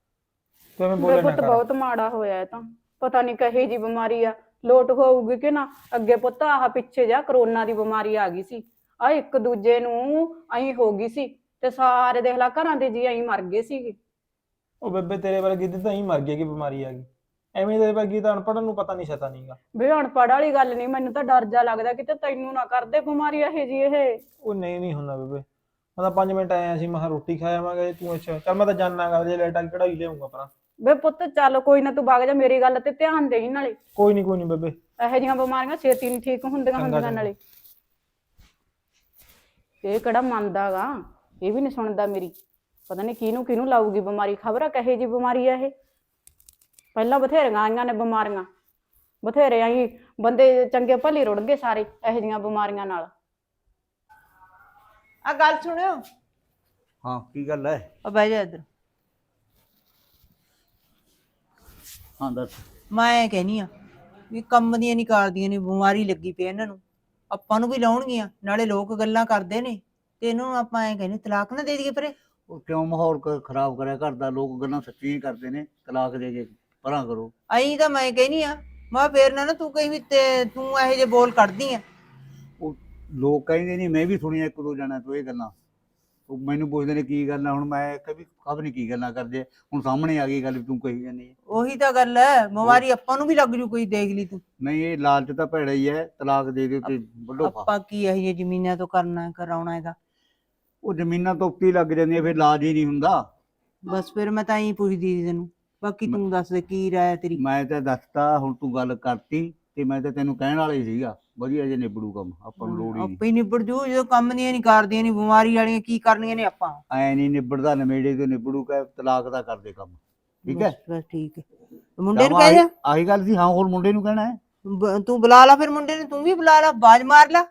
ਤੂੰ ਐਵੇਂ ਵੇ ਬੋਲੇ ਨਾ ਪੁੱਤ ਕਰ। ਬਹੁਤ ਮਾੜਾ ਹੋਇਆ ਇਹ ਤਾਂ ਪਤਾ ਨਹੀਂ ਕਹੇ ਜੀ ਬਿਮਾਰੀ ਆ ਲੋਟ ਹੋਊਗੀ ਕਿ ਨਾ। ਅੱਗੇ ਪੁੱਤ ਆਹ ਪਿੱਛੇ ਜਾ ਕਰੋਨਾ ਦੀ ਬਿਮਾਰੀ ਆ ਗਈ ਸੀ ਆ ਇੱਕ ਦੂਜੇ ਨੂੰ ਐਂ ਹੋ ਗਈ ਸੀ ਤੇ ਸਾਰੇ ਦੇਖ ਲਾ ਘਰਾਂ ਦੇ ਜੀ ਐਂ ਮਰ ਗਏ ਸੀਗੇ। ਉਹ ਬੇਬੇ ਤੇਰੇ ਵਰਗੀ ਦੀ ਤਾਂ ਹੀ ਮਰ ਗਈ ਕਿ ਬਿਮਾਰੀ ਆ ਗਈ, ਐਵੇਂ ਤੇਰੇ ਵਰਗੀ ਤਾਂ ਅਨਪੜ੍ਹ ਨੂੰ ਪਤਾ ਨਹੀਂ ਛਤਾ ਨਹੀਂਗਾ। ਵੇ ਅਨਪੜ੍ਹ ਵਾਲੀ ਗੱਲ ਨਹੀਂ ਮੈਨੂੰ ਤਾਂ ਡਰ ਜਾ ਲੱਗਦਾ ਕਿਤੇ ਤੈਨੂੰ ਨਾ ਕਰਦੇ ਬਿਮਾਰੀ ਇਹ ਜੀ ਇਹ। ਉਹ ਨਹੀਂ ਨਹੀਂ ਹੁੰਦਾ ਬੇਬੇ, ਮੈਂ ਤਾਂ ਪੰਜ ਮਿੰਟ ਆਇਆ ਸੀ, ਮੈਂ ਕਿਹਾ ਰੋਟੀ ਖਾ ਆਵਾਂਗੇ, ਤੂੰ ਅੱਛਾ ਚੱਲ ਮੈਂ ਤਾਂ ਜਾਣਾਗਾ ਜੇ ਲਾਈਟ ਆ ਕੇ ਕਢਾਈ ਲਿਆਉਂਗਾ ਪਰਾਂ। ਵੇ ਪੁੱਤ ਚੱਲ ਕੋਈ ਨਾ ਤੂੰ ਵਗ ਜਾ ਮੇਰੀ ਗੱਲ ਤੇ ਧਿਆਨ ਦੇਈ ਨਾਲੇ ਕੋਈ ਨਹੀਂ ਕੋਈ ਨਹੀਂ ਬੇਬੇ। ਇਹੋ ਜਿਹੀਆਂ ਬਿਮਾਰੀਆਂ ਛੇਤੀ ਨਹੀਂ ਠੀਕ ਹੁੰਦੀਆਂ ਚੰਗਾ, ਹੁੰਦੀਆਂ ਚੰਗਾ। ਨਾਲੇ। ਇਹ ਕਿਹੜਾ ਮੰਨਦਾਗਾ ਇਹ ਵੀ ਨਹੀਂ ਸੁਣਦਾ ਮੇਰੀ ਪਤਾ ਨਹੀਂ ਕਿਹਨੂੰ ਕਿਹਨੂੰ ਲਾਊਗੀ ਬਿਮਾਰੀ ਖਬਰ ਆ ਕਹੇ ਜੀ ਬਿਮਾਰੀ ਆ ਇਹ। ਪਹਿਲਾਂ ਬਥੇਰੀਆਂ ਆਈਆਂ ਨੇ ਬਿਮਾਰੀਆਂ ਬਥੇਰੇ ਆਈ ਬੰਦੇ ਚੰਗੇ ਭਲੀ ਰੁੜ ਗਏ ਸਾਰੇ ਇਹੋ ਜਿਹੀਆਂ ਬਿਮਾਰੀਆਂ ਨਾਲ। ਆ ਗੱਲ ਸੁਣਿਓ ਹਾਂ ਕੀ ਗੱਲ ਹੈ? ਆ ਬਹਿ ਜਾ ਇੱਧਰ। ਹਾਂ ਦੱਸ। ਮੈਂ ਕਹਿਨੀ ਆ ਵੀ ਕੰਮ ਦੀਆਂ ਨਹੀਂ ਕਰਦੀਆਂ ਨੇ ਬਿਮਾਰੀ ਲੱਗੀ ਪਈ ਇਹਨਾਂ ਨੂੰ ਆਪਾਂ ਨੂੰ ਵੀ ਲਾਉਣਗੀਆਂ ਨਾਲੇ ਲੋਕ ਗੱਲਾਂ ਕਰਦੇ ਨੇ ਤੇ ਇਹਨਾਂ ਨੂੰ ਆਪਾਂ ਐ ਕਹਿੰਦੇ ਤਲਾਕ ਨਾ ਦੇ ਦਈਏ ਪਰੇ। ਉਹ ਕਿਉਂ ਮਾਹੌਲ ਕ- ਖਰਾਬ ਕਰਿਆ ਘਰ ਦਾ? ਲੋਕ ਗੱਲਾਂ ਸੱਚੀਆਂ ਹੀ ਕਰਦੇ ਨੇ, ਤਲਾਕ ਦੇ ਕੇ ਪਰਾਂ ਕਰੋ। ਅਈ ਤਾਂ ਮੈਂ ਕਹਿਨੀ ਆ ਮੈਂ ਫੇਰ ਨਾ ਨਾ ਤੂੰ ਕਹੀਂ ਵੀ ਤੇ ਤੂੰ ਇਹੋ ਜਿਹੇ ਬੋਲ ਕੱਢਦੀ ਆ। ਉਹ ਲੋਕ ਕਹਿੰਦੇ ਨਹੀਂ, ਮੈਂ ਵੀ ਸੁਣੀਆਂ ਇੱਕ ਦੋ ਜਣਾ ਤੋਂ ਇਹ ਗੱਲਾਂ। ਉਹ ਮੈਨੂੰ ਪੁੱਛਦੇ ਨੇ ਕੀ ਗੱਲ ਆ, ਹੁਣ ਮੈਂ ਕभी ਖਬਰ ਨਹੀਂ ਕੀ ਗੱਲਾਂ ਕਰਦੇ ਆ। ਹੁਣ ਸਾਹਮਣੇ ਆ ਗਈ ਗੱਲ ਵੀ ਤੂੰ ਕਹੀ ਜਾਂਦੀ ਹੈ। ਉਹੀ ਤਾਂ ਗੱਲ ਹੈ ਬਿਮਾਰੀ ਆਪਾਂ ਨੂੰ ਵੀ ਲੱਗ ਜੂ ਕੋਈ ਦੇਖ ਲਈ ਤੂੰ। ਨਹੀਂ ਇਹ ਲਾਲਚ ਤਾਂ ਭੈੜਾ ਹੀ ਹੈ, ਤਲਾਕ ਦੇ ਦਿਓ ਤੇ ਵੱਡੋ ਫਾ। ਆਪਾਂ ਕੀ ਇਹੋ ਜਿਹੇ ਜ਼ਮੀਨਾਂ ਤੋਂ ਕਰਨਾ ਕਰਾਉਣਾ ਇਹਦਾ। ਉਹ ਜ਼ਮੀਨਾਂ ਤੋਂ ਉੱਤੇ ਲੱਗ ਜਾਂਦੀਆਂ, ਫਿਰ ਇਲਾਜ ਹੀ ਨਹੀਂ ਹੁੰਦਾ। ਬਸ ਫਿਰ ਮੈਂ ਤਾਂ ਇਹੀ ਪੁੱਛਦੀ ਸੀ ਤੈਨੂੰ ਬਾਕੀ ਤੂੰ ਦੱਸ ਦੇ ਕੀ ਰਾਏ ਤੇਰੀ। ਮੈਂ ਤਾਂ ਦੱਸਤਾ, ਹੁਣ ਤੂੰ ਗੱਲ ਕਰਤੀ ਤੇ ਮੈਂ ਤਾਂ ਤੈਨੂੰ ਕਹਿਣ ਵਾਲਾ ਹੀ ਸੀਗਾ ਵਧੀਆ ਜੇ ਨਿਬੜੂ ਕੰਮ ਆਪਾਂ ਨੂੰ ਲੋੜ ਹੀ ਨਹੀਂ ਆਪੇ ਹੀ ਨਿਬੜ ਜੂ ਜਦੋਂ ਕੰਮ ਦੀਆਂ ਨਹੀਂ ਕਰਦੀਆਂ ਨਹੀਂ ਬਿਮਾਰੀ ਵਾਲੀਆਂ ਕੀ ਕਰਨੀਆਂ ਨੇ ਆਪਾਂ ਐ ਨਹੀਂ ਨਿਬੜਦਾ ਨਵੇੜੇ ਤੋਂ ਨਿਬੜੂ ਕਾ ਤਲਾਕ ਦਾ ਕਰਦੇ ਕੰਮ ਠੀਕ ਹੈ ਬਸ ਬਸ ਠੀਕ ਹੈ ਮੁੰਡੇ ਨੂੰ ਤਾਂ ਕਹਿ ਆਹੀ- ਜਾ ਆਹੀ ਗੱਲ ਸੀ ਹਾਂ ਹੋਰ ਮੁੰਡੇ ਨੂੰ ਕਹਿਣਾ ਹੈ ਬ- ਤੂੰ ਬੁਲਾ ਲਾ ਫਿਰ ਮੁੰਡੇ ਨੂੰ ਤੂੰ ਵੀ ਬੁਲਾ ਲਾ ਬਾਜ ਮਾਰ ਲਾ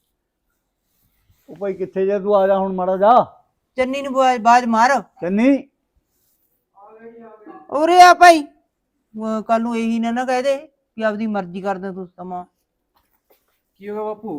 ਉਹ ਭਾਈ ਕਿੱਥੇ ਜਾ ਤੂੰ ਆ ਜਾ ਹੁਣ ਮਾੜਾ ਜਾ ਚੰਨੀ ਨੂੰ ਬਾਜ ਮਾਰ ਚੰਨੀ ਉਰੇ ਆ ਭਾਈ ਕੱਲ ਨੂੰ ਇਹੀ ਨਾ ਨਾ ਕਹਿ ਦੇ ਕਿ ਆਪਦੀ ਮਰਜ਼ੀ ਕਰਦਾ ਤੂੰ ਸਮਾਂ ਕੀ ਹੋਗਾ ਬਾਪੂ?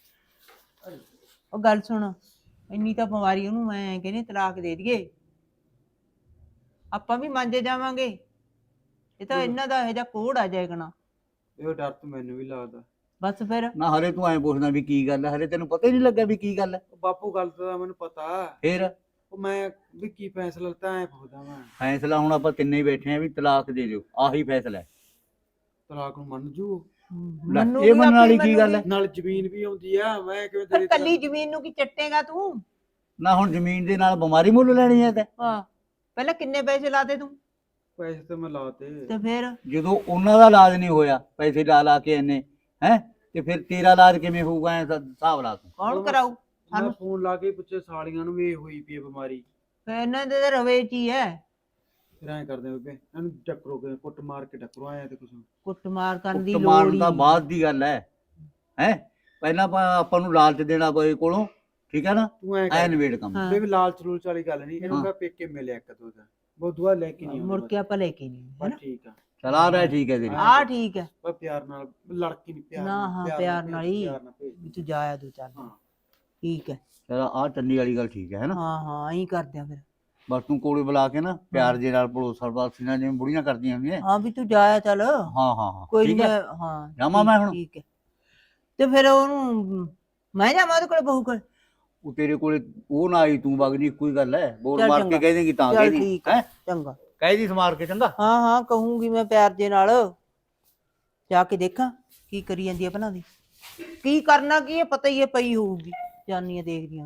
ਉਹ ਗੱਲ ਸੁਣ ਇੰਨੀ ਤਾਂ ਬਿਮਾਰੀ ਉਹਨੂੰ ਮੈਂ ਕਹਿੰਦੀ ਤਲਾਕ ਦੇ ਦਈਏ ਆਪਾਂ ਵੀ ਮੰਜੇ ਜਾਵਾਂਗੇ ਇਹ ਤਾਂ ਇਹਨਾਂ ਦਾ ਇਹੋ ਜਿਹਾ ਕੋੜ ਆ ਜਾਏਗਾ ਇਹ ਡਰ ਤਾਂ ਮੈਨੂੰ ਵੀ ਲੱਗਦਾ। ਬਸ ਫਿਰ ਨਾ ਹਲੇ ਤੂੰ ਐਂ ਪੁੱਛਦਾ ਵੀ ਕੀ ਗੱਲ ਹੈ ਹਲੇ ਤੈਨੂੰ ਪਤਾ ਹੀ ਨਹੀਂ ਲੱਗਾ ਵੀ ਕੀ ਗੱਲ ਹੈ ਉਹ ਬਾਪੂ ਗੱਲ ਤਾਂ ਮੈਨੂੰ ਪਤਾ, ਫੇਰ ਉਹ ਮੈਂ ਵੀ ਕੀ ਫੈਸਲਾ ਲਿੱਤਾ ਐ ਪੁੱਛਦਾ ਮੈਂ। ਫੈਸਲਾ ਹੁਣ ਆਪਾਂ ਤਿੰਨੇ ਹੀ ਬੈਠੇ ਆ ਵੀ ਤਲਾਕ ਦੇ ਦਿਓ ਆਹੀ ਫੈਸਲਾ ਹੈ ਤਲਾਕ ਨੂੰ ਮੰਨ ਜੂ? ਲੈ, ਮੰਨੂਗੀ, ਇਹ ਮੰਨਣ ਵਾਲੀ ਆਪੇ ਕੀ ਗੱਲ ਹੈ? ਮੰਨੂਗੀ। ਨਾਲ ਜ਼ਮੀਨ ਵੀ ਆਉਂਦੀ ਆ ਮੈਂ ਕਿਵੇਂ ਫਿਰ ਤੇਰੇ ਕੱਲੀ ਜ਼ਮੀਨ ਨੂੰ ਕੀ ਚੱਟੇਗਾ ਤੂੰ ਨਾ ਹੁਣ ਜ਼ਮੀਨ ਦੇ ਨਾਲ ਬਿਮਾਰੀ ਮੁੱਲ ਲੈਣੀ ਹੈ ਤੇ ਹਾਂ ਪਹਿਲਾਂ ਕਿੰਨੇ ਪੈਸੇ ਲਾਤੇ ਤੂੰ ਪੈਸੇ ਤਾਂ ਮੈਂ ਲਾਤੇ। ਤੇ ਫਿਰ ਜਦੋਂ ਉਹਨਾਂ ਦਾ ਇਲਾਜ ਨਹੀਂ ਹੋਇਆ ਪੈਸੇ ਲਾ ਲਾ ਕੇ ਇਹਨੇ ਹੈ ਤੇ ਫਿਰ ਤੇਰਾ ਇਲਾਜ ਕਿਵੇਂ ਹੋਊਗਾ ਐ ਹਿਸਾਬ ਲਾ ਤੂੰ ਕੌਣ ਕਰਾਊ ਮੈਂ ਸਾਨੂੰ ਫੋਨ ਲਾ ਕੇ ਪੁੱਛੇ ਸਾਲੀਆਂ ਨੂੰ ਵੀ ਇਹ ਹੋਈ ਪਈ ਹੈ ਬਿਮਾਰੀ। ਫਿਰ ਇਹਨਾਂ ਦੇ ਤਾਂ ਰਵੇ ਚ ਹੀ ਹੈ ਫਿਰ ਐਂ ਕਰਦੇ ਆ ਬੇਬੇ ਇਹਨੂੰ ਟੱਕਰੋ ਕੇ ਕੁੱਟ ਮਾਰ ਕੇ ਟੱਕਰੋ ਆਇਆ ਤੇ ਕੁਛ ਕੁੱਟਮਾਰ ਕਰਨ ਦੀ ਕੁੱਟ ਲੋੜ ਮਾਰਨ ਹੀ ਦਾ ਨਹੀਂ। ਬਾਅਦ ਦੀ ਗੱਲ ਹੈ ਹੈ ਪਹਿਲਾਂ ਆਪਾਂ ਆਪਾਂ ਨੂੰ ਲਾਲਚ ਦੇਣਾ ਪਏ ਕੋਲੋਂ ਠੀਕ ਹੈ ਨਾ ਤੂੰ ਐਂ ਐ ਕਰ ਨਵੇੜ ਕੰਮ ਹਾਂ। ਬੇਬੇ ਲਾਲਚ ਲੂਲਚ ਵਾਲੀ ਗੱਲ ਨਹੀਂ ਇਹਨੂੰ ਹਾਂ। ਮੈਂ ਪੇਕੇ ਮਿਲਿਆ ਇੱਕ ਦੋ ਦਾ ਬਹੁਤ ਦੁਆ ਲੈ ਕੇ ਨਹੀਂ ਮੁੜ ਕੇ ਆਪਾਂ ਲੈ ਕੇ ਨਹੀਂ ਬਸ ਹੈਨਾ ਠੀਕ ਆ ਚਲਾ ਰਿਹਾ ਠੀਕ ਹੈ ਤੇਰੀ ਆ ਠੀਕ ਹੈ ਬਸ ਪਿਆਰ ਨਾਲ ਲੜਕੀ ਨਹੀਂ ਪਿਆਰ ਨਾ, ਨਾਲ, ਹਾਂ, ਪਿਆਰ ਨਾਲ ਹੀ। ਪਿਆਰ ਨਾਲ ਭੇਜ। ਵੀ ਤੂੰ ਜਾਇਆ ਦੋ ਚਾਰ ਦਿਨ ਹਾਂ। ਠੀਕ ਹੈ ਚਲ ਆਹ ਚੰਨੀ ਵਾਲੀ ਗੱਲ ਠੀਕ ਹੈ ਹੈਨਾ ਹਾਂ ਹਾਂ ਐਂ ਕਰਦੇ ਆ ਫਿਰ ਬਸ ਤੂੰ ਕੋਲੇ ਬੁਲਾ ਕੇ ਨਾ ਪਿਆਰ ਦੇ ਨਾਲ ਪੜੋਸਰ ਵਾਸੀ ਨਾਲ ਜਿਵੇਂ ਬੁੜੀਆਂ ਕਰਦੀਆਂ ਹੁੰਦੀਆਂ ਹਾਂ ਵੀ ਤੂੰ ਜਾਇਆ ਚੱਲ ਹਾਂ ਹਾਂ ਹਾਂ ਕੋਈ ਠੀਕ ਨਹੀਂ ਹੈ ਹਾਂ ਜਾਵਾਂ ਠੀਕ- ਮੈਂ ਹੁਣ? ਠੀਕ ਹੈ ਤੇ ਫਿਰ ਉਹਨੂੰ ਮੈਂ ਜਾਵਾਂ ਉਹਦੇ ਕੋਲ ਬਹੂ ਕੋਲ ਉਹ ਤੇਰੇ ਕੋਲੇ ਉਹ ਨਾ ਆਈ ਤੂੰ ਵਗ ਜੀ ਕੋਈ ਗੱਲ ਹੈ ਬੋਲ ਚੱਲ ਮਾਰ ਚੰਗਾ। ਕੇ ਕਹਿ ਦੇਂਗੀ ਤਾਂ ਚੱਲ ਕਹਿ ਦੀ ਠੀਕ ਹੈ ਹੈ ਚੰਗਾ ਕਹਿ ਦੀ ਸਮਾਰ ਕੇ ਚੰਗਾ ਹਾਂ ਹਾਂ ਕਹੂੰਗੀ ਮੈਂ ਪਿਆਰ ਦੇ ਨਾਲ ਜਾ ਕੇ ਦੇਖਾਂ ਕੀ ਕਰੀ ਜਾਂਦੀ ਹੈ ਭਲਾ ਦੀ ਕੀ ਕਰਨਾ ਕੀ ਹੈ ਪਤਾ ਹੀ ਹੈ ਪਈ ਹੋਊਗੀ ਜਾਨੀਆਂ ਦੇਖਦੀਆਂ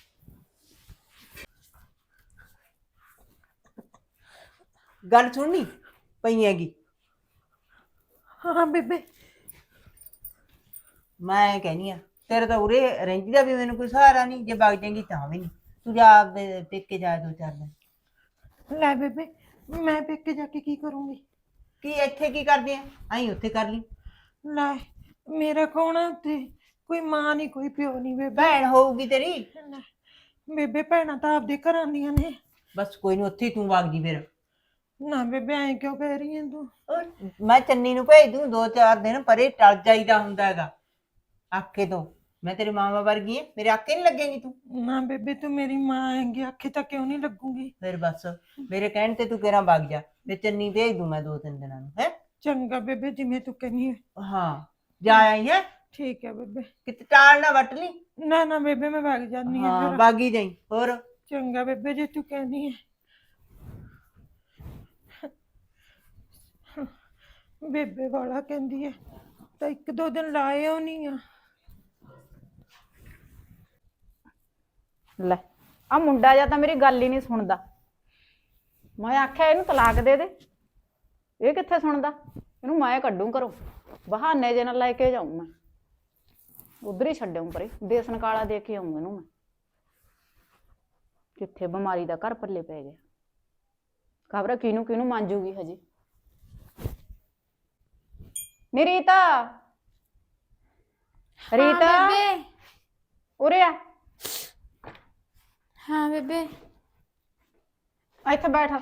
ਗੱਲ ਸੁਣਨੀ ਪਈ ਹੈਗੀ ਹਾਂ ਬੇਬੇ ਮੈਂ ਕਹਿੰਦੀ ਆ ਤੇਰੇ ਤਾਂ ਉਰੇ ਰਹਿੰਦੀ ਦਾ ਵੀ ਮੈਨੂੰ ਕੋਈ ਸਹਾਰਾ ਨਹੀਂ ਜੇ ਵਗ ਜਾਏਗੀ ਤਾਂ ਵੀ ਨਹੀਂ ਤੂੰ ਜਾ ਆਪਦੇ ਪੇਕੇ ਜਾ ਦੋ ਚਾਰ ਦਿਨ ਲੈ ਬੇਬੇ ਮੈਂ ਪੇਕੇ ਜਾ ਕੇ ਕੀ ਕਰੂੰਗੀ ਕੀ ਇੱਥੇ ਕੀ ਕਰਦੀ ਆ ਆਈ ਉੱਥੇ ਕਰ ਲਈ ਲੈ ਮੇਰਾ ਕੌਣ ਹੈ ਉੱਥੇ ਕੋਈ ਮਾਂ ਨਹੀਂ ਕੋਈ ਪਿਓ ਨਹੀਂ ਬੇਬੇ ਭੈਣ ਹੋਊਗੀ ਤੇਰੀ ਲੈ, ਬੇਬੇ ਭੈਣਾਂ ਤਾਂ ਆਪਦੇ ਘਰਾਂ ਦੀਆਂ ਨੇ ਬਸ ਕੋਈ ਨਹੀਂ ਉੱਥੇ ਹੀ ਤੂੰ ਵਗ ਜੀ ਫਿਰ ਨਾ ਬੇਬੇ ਐਂ ਕਿਉਂ ਕਹਿ ਰਹੀ ਹੈ ਤੂੰ ਉਹ ਮੈਂ ਚੰਨੀ ਨੂੰ ਭੇਜ ਦੂੰ ਦੋ ਚਾਰ ਦਿਨ ਪਰੇ ਟਲ ਜਾਈਦਾ ਹੁੰਦਾ ਹੈਗਾ ਆਖੇ ਤੋਂ ਮੈਂ ਤੇਰੀ ਮਾਵਾ ਵਰਗੀ ਐ ਮੇਰੇ ਆਖੇ ਨਹੀਂ ਲੱਗੇਗੀ ਤੂੰ ਨਾ ਬੇਬੇ ਤੂੰ ਮੇਰੀ ਮਾਂ ਹੈਂਗੀ ਆਖੇ ਤਾਂ ਕਿਉਂ ਨਹੀਂ ਲੱਗੂਗੀ ਫਿਰ ਬਸ ਮੇਰੇ ਕਹਿਣ ਤੇ ਤੂੰ ਕਿਹੜਾ ਵਗ ਜਾ ਮੈਂ ਚੰਨੀ ਭੇਜ ਦੂੰ ਮੈਂ ਦੋ ਤਿੰਨ ਦਿਨਾਂ ਨੂੰ ਹੈ ਚੰਗਾ ਬੇਬੇ ਜਿਵੇਂ ਤੂੰ ਕਹਿੰਦੀ ਹੈ ਹਾਂ ਜਾ ਆਈ ਹੈ ਠੀਕ ਹੈ ਬੇਬੇ ਕਿਤੇ ਟਾਲ ਨਾ ਵੱਟ ਲਈ ਨਾ ਨਾ ਬੇਬੇ ਮੈਂ ਵਗ ਜਾਂਦੀ ਹਾਂ ਹਾਂ ਫਿਰ। ਬਾਗੀ ਜਾਈ ਹੋਰ ਚੰਗਾ ਬੇਬੇ ਜੇ ਤੂੰ ਕਹਿੰਦੀ ਹੈ ਬੇਬੇ ਵਾਲਾ ਕਹਿੰਦੀ ਹੈ ਤਾਂ ਇੱਕ ਦੋ ਦਿਨ ਲਾਏ ਆਉਣੀ ਆ ਲੈ ਆ ਮੁੰਡਾ ਜਾਂ ਤਾਂ ਮੇਰੀ ਗੱਲ ਹੀ ਨਹੀਂ ਸੁਣਦਾ ਮੈਂ ਆਖਿਆ ਇਹਨੂੰ ਤਲਾਕ ਦੇ ਦੇ ਇਹ ਕਿੱਥੇ ਸੁਣਦਾ ਇਹਨੂੰ ਮੈਂ ਕੱਢੂ ਘਰੋਂ ਬਹਾਨੇ ਜੇ ਨਾਲ ਲੈ ਕੇ ਜਾਊਂ ਮੈਂ ਉਧਰ ਹੀ ਛੱਡਾਂ ਪਰੇ ਦੇਸਨ ਕਾਲਾ ਦੇ ਕੇ ਆਊਂ ਇਹਨੂੰ ਮੈਂ ਕਿੱਥੇ ਬਿਮਾਰੀ ਦਾ ਘਰ ਪੱਲੇ ਪੈ ਗਿਆ ਖਬਰ ਕਿਹਨੂੰ ਕਿਹਨੂੰ ਮੰਜੂਗੀ ਹਜੇ ਨੀ ਰੀਤਾ ਰੀਤਾ ਹਾਂ ਬੇਬੇ ਉਰੇ ਆ ਹਾਂ ਬੇਬੇ ਇੱਥੇ ਬੈਠ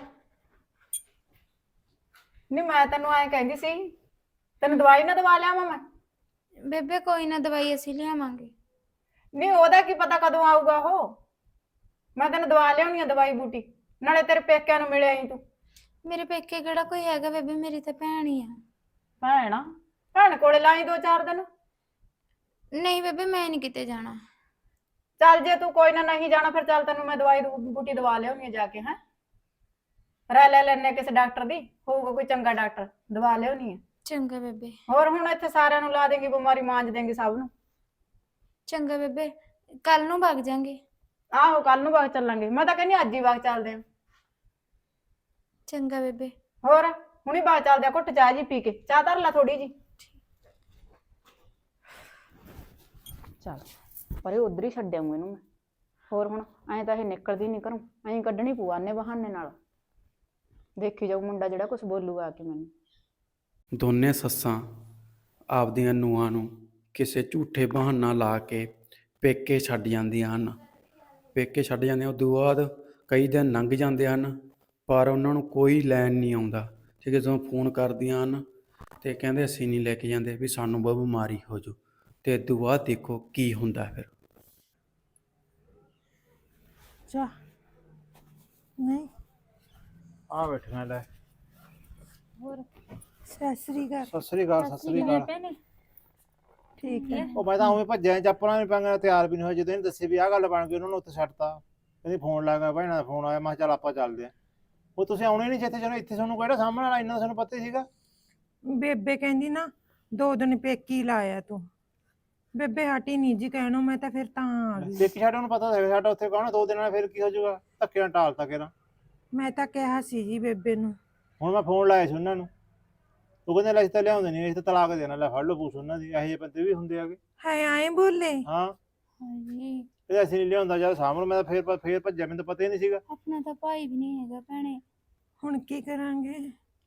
ਨਹੀਂ ਮੈਂ ਤੈਨੂੰ ਐਂ ਕਹਿੰਦੀ ਸੀ ਤੈਨੂੰ ਦਵਾਈ ਨਾ ਦਵਾ ਲਿਆ ਮੈਂ ਬੇਬੇ ਕੋਈ ਨਾ ਦਵਾਈ ਅਸੀਂ ਲਿਆਵਾਂਗੇ ਨਹੀਂ ਉਹਦਾ ਕੀ ਪਤਾ ਕਦੋਂ ਆਊਗਾ ਉਹ ਮੈਂ ਤੈਨੂੰ ਦਵਾ ਲਿਆਉਣੀ ਆ ਦਵਾਈ ਬੂਟੀ ਨਾਲੇ ਤੇਰੇ ਪੇਕਿਆਂ ਨੂੰ ਮਿਲਿਆ ਹੀ ਤੂੰ ਮੇਰੇ ਪੇਕੇ ਕਿਹੜਾ ਕੋਈ ਹੈਗਾ ਬੇਬੇ ਮੇਰੀ ਤਾਂ ਭੈਣ ਹੀ ਆ ਭੈਣ ਆ ਭੈਣ ਕੋਲੇ ਲਾਈ ਦੋ ਚਾਰ ਦਿਨ ਨਹੀਂ ਬੇਬੇ ਮੈਂ ਨਹੀਂ ਕਿਤੇ ਜਾਣਾ ਚੱਲ ਜੇ ਤੂੰ ਕੋਈ ਨਾ ਨਹੀਂ ਜਾਣਾ ਫਿਰ ਚੱਲ ਤੈਨੂੰ ਮੈਂ ਦਵਾਈ ਦੂ- ਬੂਟੀ ਦਵਾ ਲਿਆਉਣੀ ਆ ਜਾ ਕੇ ਹੈ ਰਹਿ ਲੈ ਲੈਣੇ ਕਿਸੇ ਡਾਕਟਰ ਦੀ ਹੋਊਗਾ ਕੋਈ ਚੰਗਾ ਡਾਕਟਰ ਦਵਾ ਲਿਆਉਣੀ ਆ ਚੰਗਾ ਬੇਬੇ ਹੋਰ ਹੁਣ ਇੱਥੇ ਸਾਰਿਆਂ ਨੂੰ ਲਾ ਦੇਂਗੀ ਬਿਮਾਰੀ ਮਾਂਜ ਦੇਂਗੀ ਸਭ ਨੂੰ ਚੰਗਾ ਬੇਬੇ ਕੱਲ ਨੂੰ ਵਗ ਜਾਾਂਗੇ ਆਹੋ ਕੱਲ ਨੂੰ ਬਾਗ ਚੱਲਾਂਗੇ ਮੈਂ ਤਾਂ ਕਹਿੰਦੀ ਅੱਜ ਹੀ ਬਾਗ ਚੱਲਦੇ ਆ ਚੰਗਾ ਬੇਬੇ ਹੋਰ ਹੁਣੀ ਬਾਗ ਚੱਲਦੇ ਆ ਘੁੱਟ ਚਾਹ ਜੀ ਪੀ ਕੇ ਚਾਹ ਧਰ ਲਾ ਥੋੜੀ ਜੀ ਚੱਲ ਪਰ ਇਹ ਉਧਰ ਹੀ ਛੱਡ ਆਊਂ ਇਹਨੂੰ ਮੈਂ। ਹੋਰ ਹੁਣ ਐਂ ਤਾਂ ਇਹ ਨਿਕਲਦੀ ਨਹੀਂ ਘਰੋਂ, ਐਂ ਕੱਢਣੀ ਪਊ ਆਨੇ ਬਹਾਨੇ ਨਾਲ। ਦੇਖੀ ਜਾਊ ਮੁੰਡਾ ਜਿਹੜਾ ਕੁਝ ਬੋਲੂਗਾ ਆ ਕੇ ਮੈਨੂੰ। ਦੋਨੇ ਸੱਸਾਂ ਆਪਦੀਆਂ ਨੂੰਹਾਂ ਨੂੰ ਕਿਸੇ ਝੂਠੇ ਬਹਾਨਾ ਲਾ ਕੇ ਪੇਕੇ ਛੱਡ ਜਾਂਦੀਆਂ ਹਨ। ਪੇਕੇ ਛੱਡ ਜਾਂਦੀਆਂ, ਉਦੋਂ ਬਾਅਦ ਕਈ ਦਿਨ ਲੰਘ ਜਾਂਦੇ ਹਨ ਪਰ ਉਹਨਾਂ ਨੂੰ ਕੋਈ ਲੈਣ ਨਹੀਂ ਆਉਂਦਾ। ਠੀਕ ਹੈ, ਜਦੋਂ ਫੋਨ ਕਰਦੀਆਂ ਹਨ ਤੇ ਕਹਿੰਦੇ ਅਸੀਂ ਨਹੀਂ ਲੈ ਕੇ ਜਾਂਦੇ ਵੀ ਸਾਨੂੰ ਬਹੁਤ ਬਿਮਾਰੀ ਹੋ ਜਾਊ। ਤੇ ਉਦੋਂ ਬਾਅਦ ਦੇਖੋ ਕੀ ਹੁੰਦਾ ਫਿਰ। ਚਾਹ ਨਹੀਂ ਆ ਬੈਠੀਆਂ ਲੈ। ਹੋਰ ਸਤਿ ਸ੍ਰੀ ਅਕਾਲ। ਸਤਿ ਸ੍ਰੀ ਅਕਾਲ ਸਤਿ ਸ੍ਰੀ ਅਕਾਲ। ਠੀਕ ਹੈ। ਉਹ ਮੈਂ ਤਾਂ ਉਵੇਂ ਭੱਜਿਆ ਚੱਪਲਾਂ ਨਹੀਂ ਪਾਂਗਾ, ਤਿਆਰ ਵੀ ਨਹੀਂ ਹੋਇਆ। ਜਦੋਂ ਇਹਨੇ ਦੱਸੇ ਵੀ ਆਹ ਗੱਲ ਬਣ ਗਈ ਉਹਨਾਂ ਨੂੰ ਉੱਥੇ ਛੱਡਤਾ। ਕਹਿੰਦੀ ਫੋਨ ਲੱਗਾ, ਭੈਣਾਂ ਦਾ ਫੋਨ ਆਇਆ। ਮੈਂ ਕਿਹਾ ਚੱਲ ਆਪਾਂ ਚੱਲਦੇ ਆਂ। ਉਹ ਤੁਸੀਂ ਆਉਣੇ ਨਹੀਂ ਜਿੱਥੇ, ਚਲੋ ਇੱਥੇ ਤੁਹਾਨੂੰ ਕਿਹੜਾ ਸਾਹਮਣੇ ਵਾਲਾ, ਇੰਨਾ ਤੁਹਾਨੂੰ ਪਤਾ ਹੀ ਸੀਗਾ। ਬੇਬੇ ਕਹਿੰਦੀ ਨਾ ਦੋ ਦਿਨ ਪੇਕੀ ਲਾਇਆ ਤੂੰ। ਬੇਬੇ ਹਟੀ ਨਹੀਂ ਜੀ ਕਹਿਣੋਂ, ਮੈਂ ਤਾਂ ਫਿਰ ਤਾਂ ਆ ਗਈ। ਦੇਖੀ ਸਾਡਾ ਨੂੰ ਪਤਾ ਹੈਗਾ ਸਾਡਾ ਉੱਥੇ ਕੌਣ ਦੋ ਦਿਨਾਂ ਨਾਲ ਫਿਰ ਕੀ ਹੋ ਜਾਊਗਾ। ਧੱਕੇ ਨਾਲ ਟਾਲਤਾ ਕਿਹੜਾ। ਮੈਂ ਤਾਂ ਕਿਹਾ ਸੀ ਜੀ ਬੇਬੇ ਨੂੰ। ਹੁਣ ਮੈਂ ਫੋਨ ਲਾਇਆ ਸੀ ਉਹਨਾਂ ਨੂੰ, ਉਹ ਕਹਿੰਦੇ ਲੈ ਅਸੀਂ ਤਾਂ ਲਿਆਉਂਦੇ ਨਹੀਂ, ਅਸੀਂ ਤਾਂ ਤਲਾਕ ਦੇਣਾ। ਲੈ ਫੜ ਲਓ ਪੂਛ ਉਹਨਾਂ ਦੀ। ਇਹੋ ਜਿਹੇ ਬੰਦੇ ਵੀ ਹੁੰਦੇ ਆਗੇ। ਹੈ ਆਏ ਬੋਲੇ। ਹਾਂ ਹਾਏ ਇਹ ਅਸੀਂ ਨਹੀਂ ਲਿਆਉਂਦਾ ਜਦ ਸਾਹਮਣੇ। ਮੈਂ ਤਾਂ ਫੇਰ ਫੇਰ ਭੱਜਿਆ, ਮੈਨੂੰ ਤਾਂ ਪਤਾ ਹੀ ਨਹੀਂ ਸੀਗਾ। ਆਪਣਾ ਤਾਂ ਭਾਈ ਵੀ ਨਹੀਂ ਹੈਗਾ ਭੈਣੇ। ਹੁਣ ਕੀ ਕਰਾਂਗੇ?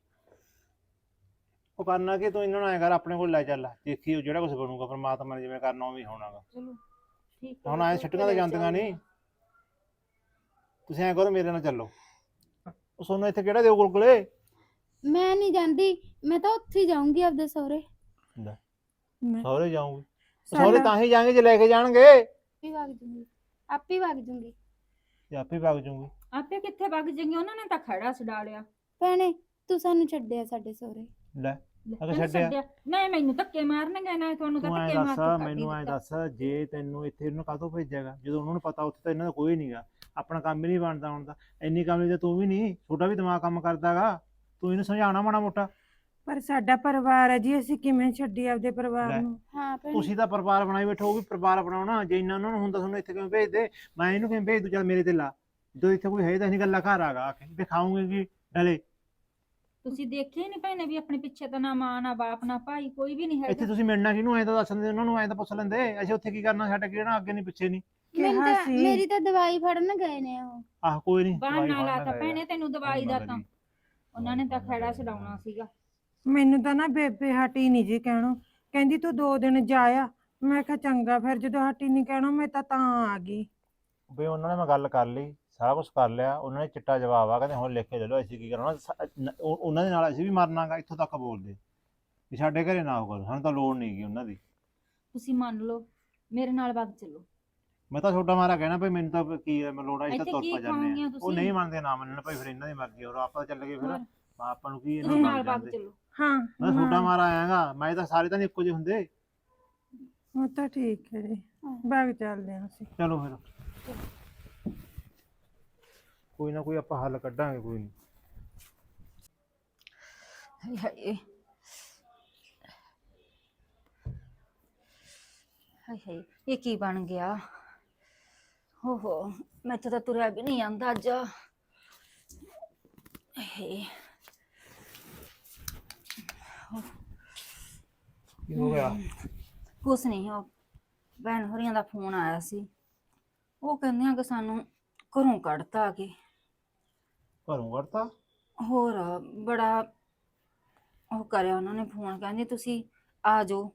ਉਹ ਕਰਨਾ ਕਿ ਤੂੰ ਇਹਨਾਂ ਨੂੰ ਐਂ ਕਰ, ਆਪਣੇ ਕੋਲ ਲੈ ਚੱਲ। ਦੇਖੀ ਉਹ ਜਿਹੜਾ ਕੁਝ ਬਣੂਗਾ ਪਰਮਾਤਮਾ ਨੇ ਜਿਵੇਂ ਕਰਨਾ ਉਵੇਂ ਹੋਣਾਗਾ। ਚਲੋ ਠੀਕ ਹੁਣ ਐਂ ਛੱਟੀਆਂ ਤਾਂ ਜਾਂਦੀਆਂ ਨਹੀਂ। ਤੁਸੀਂ ਐਂ ਕਰੋ ਮੇਰੇ ਨਾਲ ਚੱਲੋ। ਉਹ ਸੋਨੂੰ ਇੱਥੇ ਕਿਹੜਾ ਦਿਓ ਗੁਲਗੁਲੇ। ਮੈਂ ਨਹੀਂ ਜਾਂਦੀ, ਮੈਂ ਤਾਂ ਉੱਥੇ ਹੀ ਜਾਊਂਗੀ ਆਪਦੇ ਸਹੁਰੇ। ਮੈਂ ਸਹੁਰੇ ਜਾਊਂਗੀ। ਸਾਡਾ- ਸਹੁਰੇ ਤਾਂ ਹੀ ਜਾਣਗੇ ਜੇ ਲੈ ਕੇ ਜਾਣਗੇ। ਆਪੇ ਵਗ ਜੂੰਗੀ, ਆਪੇ ਵਗ ਜੂੰਗੀ। ਤੇ ਆਪੇ ਵਗ ਜੂੰਗੀ। ਆਪੇ ਕਿੱਥੇ ਵਗ ਜਾਏਗੀ, ਉਹਨਾਂ ਨੇ ਤਾਂ ਖੜਾ ਛਡਾ ਲਿਆ। ਭੈਣੇ ਤੂੰ ਸਾਨੂੰ ਛੱਡਿਆ ਸਾਡੇ ਸਹੁਰੇ। ਲੈ ਅਗਰ ਇਹਨੂੰ ਛੱਡਿਆ ਨਹੀਂ, ਮੈਨੂੰ ਧੱਕੇ ਮਾਰਨਗੇ ਨਾ, ਤੁਹਾਨੂੰ ਤਾਂ ਤੂੰ ਐਂ ਧੱਕੇ ਮਾਰ ਦੱਸ, ਕੇ ਕੱਢ ਹੀ ਮੈਨੂੰ ਐਂ ਦਿੱਤਾ। ਦੱਸ, ਜੇ ਤੈਨੂੰ ਇੱਥੇ ਇਹਨੂੰ ਕਾਹਤੋਂ ਭੇਜਿਆਗਾ ਜਦੋਂ ਉਹਨਾਂ ਨੂੰ ਪਤਾ ਉੱਥੇ ਤਾਂ ਇਹਨਾਂ ਦਾ ਕੋਈ ਨਹੀਂਗਾ। ਆਪਣਾ ਕੰਮ ਹੀ ਨਹੀਂ ਬਣਦਾ ਹੁਣ ਤਾਂ। ਇੰਨੀ ਕੰਮ ਤਾਂ ਤੂੰ ਵੀ ਨਹੀਂ, ਛੋਟਾ ਵੀ ਦਿਮਾਗ ਕੰਮ ਕਰਦਾਗਾ। ਤੂੰ ਇਹਨੂੰ ਸਮਝਾਉਣਾ ਮਾੜਾ ਮੋਟਾ। ਪਰ ਸਾਡਾ ਪਰਿਵਾਰ ਹੈ ਜੀ, ਅਸੀਂ ਕਿਵੇਂ ਛੱਡੀ ਆਪਦੇ ਪਰਿਵਾਰ ਲੈ। ਨੂੰ? ਹਾਂ ਭੈਣੇ ਤੁਸੀਂ ਤਾਂ ਪਰਿਵਾਰ ਬਣਾਈ ਬੈਠੋ, ਉਹ ਵੀ ਪਰਿਵਾਰ ਬਣਾਉਣਾ। ਜੇ ਇੰਨਾ ਉਹਨਾਂ ਨੂੰ ਹੁੰਦਾ ਤੁਹਾਨੂੰ ਇੱਥੇ ਕਿਵੇਂ ਭੇਜਦੇ। ਮੈਂ ਇਹਨੂੰ ਕਿਵੇਂ ਭੇਜ ਦੂੰ? ਚੱਲ ਮੇਰੇ ਤੇ ਲਾ। ਜਦੋਂ ਇੱਥੇ ਕੋਈ ਹੈ ਤਾਂ ਨਹੀਂ ਗੱਲਾਂ ਘਰ ਆਗਾ ਆ ਕੇ ਦਿਖਾਉਂਗੇ ਕਿ ਡਲੇ। ਤੁਸੀਂ ਦੇਖੇ ਨਹੀਂ ਭੈਣੇ ਵੀ ਆਪਣੇ ਪਿੱਛੇ ਤਾਂ ਨਾ ਮਾਂ ਨਾ ਬਾਪ ਨਾ ਭਾਈ ਕੋਈ ਵੀ ਨਹੀਂ ਇੱਥੇ ਹੈਗਾ। ਤੁਸੀਂ ਮਿਲਣਾ ਕਿਹਨੂੰ ਐਂ ਤਾਂ ਦੱਸ ਦਿੰਦੇ ਉਹਨਾਂ ਨੂੰ, ਐਂ ਤਾਂ ਪੁੱਛ ਲੈਂਦੇ। ਅਸੀਂ ਉੱਥੇ ਕੀ ਕਰਨਾ, ਸਾਡਾ ਕਿਹੜਾ ਅੱਗੇ ਨਹੀਂ ਪਿੱਛੇ ਨਹੀਂ। ਮੈਨੂੰ ਕਿਹਾ ਤਾਂ ਸੀ। ਮੇਰੀ ਤਾਂ ਦਵਾਈ ਫੜਨ ਗਏ ਨੇ ਉਹ। ਆਹ ਕੋਈ ਨਹੀਂ ਬਹਾਨਾ ਲਾਤਾ ਭੈਣੇ ਤੈਨੂੰ ਦਵਾਈ ਦਾ ਤਾਂ। ਉਹਨਾਂ ਨੇ ਤਾਂ ਖੜਾ ਛਡਾਉਣਾ ਸੀਗਾ। ਮੈਨੂੰ ਤਾਂ ਨਾ ਬੇਬੇ ਹਟੀ ਨਹੀਂ ਜੀ ਕਹਿਣੋਂ। ਕਹਿੰਦੀ ਤੂੰ ਦੋ ਦਿਨ ਜਾਇਆ। ਮੈਂ ਕਿਹਾ ਚੰਗਾ। ਫਿਰ ਜਦੋਂ ਹਟੀ ਨਹੀਂ ਕਹਿਣੋਂ, ਮੈਂ ਤਾਂ ਤਾਂ ਆ ਗਈ। ਬਈ ਉਹਨਾਂ ਨੇ ਮੈਂ ਗੱਲ ਕਰ ਲਈ, ਸਾਰਾ ਕੁਝ ਕਰ ਲਿਆ। ਉਹਨਾਂ ਨੇ ਚਿੱਟਾ ਜਵਾਬ ਆ, ਕਹਿੰਦੇ ਹੁਣ ਲਿਖ ਕੇ ਦੇ ਲਓ। ਅਸੀਂ ਕੀ ਕਰਨਾ, ਉਹ- ਉਹਨਾਂ ਦੇ ਨਾਲ ਅਸੀਂ ਵੀ ਮਰਨਾਗਾ। ਇੱਥੋਂ ਤੱਕ ਬੋਲਦੇ ਵੀ ਸਾਡੇ ਘਰੇ ਨਾ ਹੋਊਗਾ, ਸਾਨੂੰ ਤਾਂ ਲੋੜ ਨਹੀਂ ਗਈ ਉਹਨਾਂ ਦੀ। ਤੁਸੀਂ ਮੰਨ ਲਓ ਮੇਰੇ ਨਾਲ ਵਗ ਚੱਲੋ। ਮੈਂ ਤਾਂ ਛੋਟਾ ਮਾਰਾ ਕਹਿਣਾ ਭਾਈ ਮੈਨੂੰ ਤਾਂ ਕੀ ਹੈ, ਮੈਂ ਲੋੜ ਆ, ਅਸੀਂ ਤਾਂ ਇੱਥੇ ਤੁਰ ਕੀ ਪਾ ਜਾਂਦੇ ਖਾਓਗੀਆਂ ਆ। ਉਹ ਤੁਸੀਂ? ਨਹੀਂ ਮੰਨਦੇ, ਨਾ ਮੰਨਣ ਭਾਈ, ਫਿਰ ਇਹਨਾਂ ਦੀ ਮਰਜ਼ੀ। ਹੋਰ ਆਪਾਂ ਤਾਂ ਚੱਲ ਗਏ ਫਿਰ। ਹੋਰ? ਆਪਾਂ ਨੂੰ ਕੀ ਇਹਨਾਂ ਤੁਸੀਂ ਨਾਲ ਨਾਲ ਵਗ ਜਾਂਦੇ। ਚੱਲੋ। ਹਾਂ ਮੈਂ ਛੋਟਾ ਮਾਰਾ ਆਇਆਗਾ। ਮੈਂ ਤਾਂ ਸਾਰੇ ਤਾਂ ਨਹੀਂ ਇੱਕੋ ਜਿਹੇ ਹੁੰਦੇ। ਉਹ ਤਾਂ ਠੀਕ ਹੈ ਜੀ। ਬਾਗ ਚੱਲਦੇ ਹਾਂ ਅਸੀਂ। ਚਲੋ ਫਿਰ ਕੋਈ ਨਾ ਕੋਈ ਆਪਾਂ ਹੱਲ ਕੱਢਾਂਗੇ। ਕੋਈ ਨਹੀਂ। ਹਾਏ ਹਾਏ ਹਾਏ ਹਾਏ ਇਹ ਕੀ ਬਣ ਗਿਆ। ਹੋ ਹੋ ਮੈਥੋਂ ਤਾਂ ਤੁਰਿਆ ਵੀ ਨਹੀਂ ਆਂਦਾ ਅੱਜ। ਹੇ ਕੀ ਹੋ ਗਿਆ? ਕੁਛ ਨਹੀਂ, ਉਹ ਭੈਣ ਹੋਰੀਆਂ ਦਾ ਫੋਨ ਆਇਆ ਸੀ। ਉਹ ਕਹਿੰਦੇ ਆ ਕਿ ਸਾਨੂੰ ਘਰੋਂ ਕੱਢਤਾ ਆ ਕੇ। ਘਰੋਂ ਵੜਤਾ? ਹੋਰ ਬੜਾ ਉਹ ਕਰਿਆ ਉਹਨਾਂ ਨੇ ਫੋਨ। ਕਹਿੰਦੇ ਤੁਸੀਂ ਆ ਜਾਓ।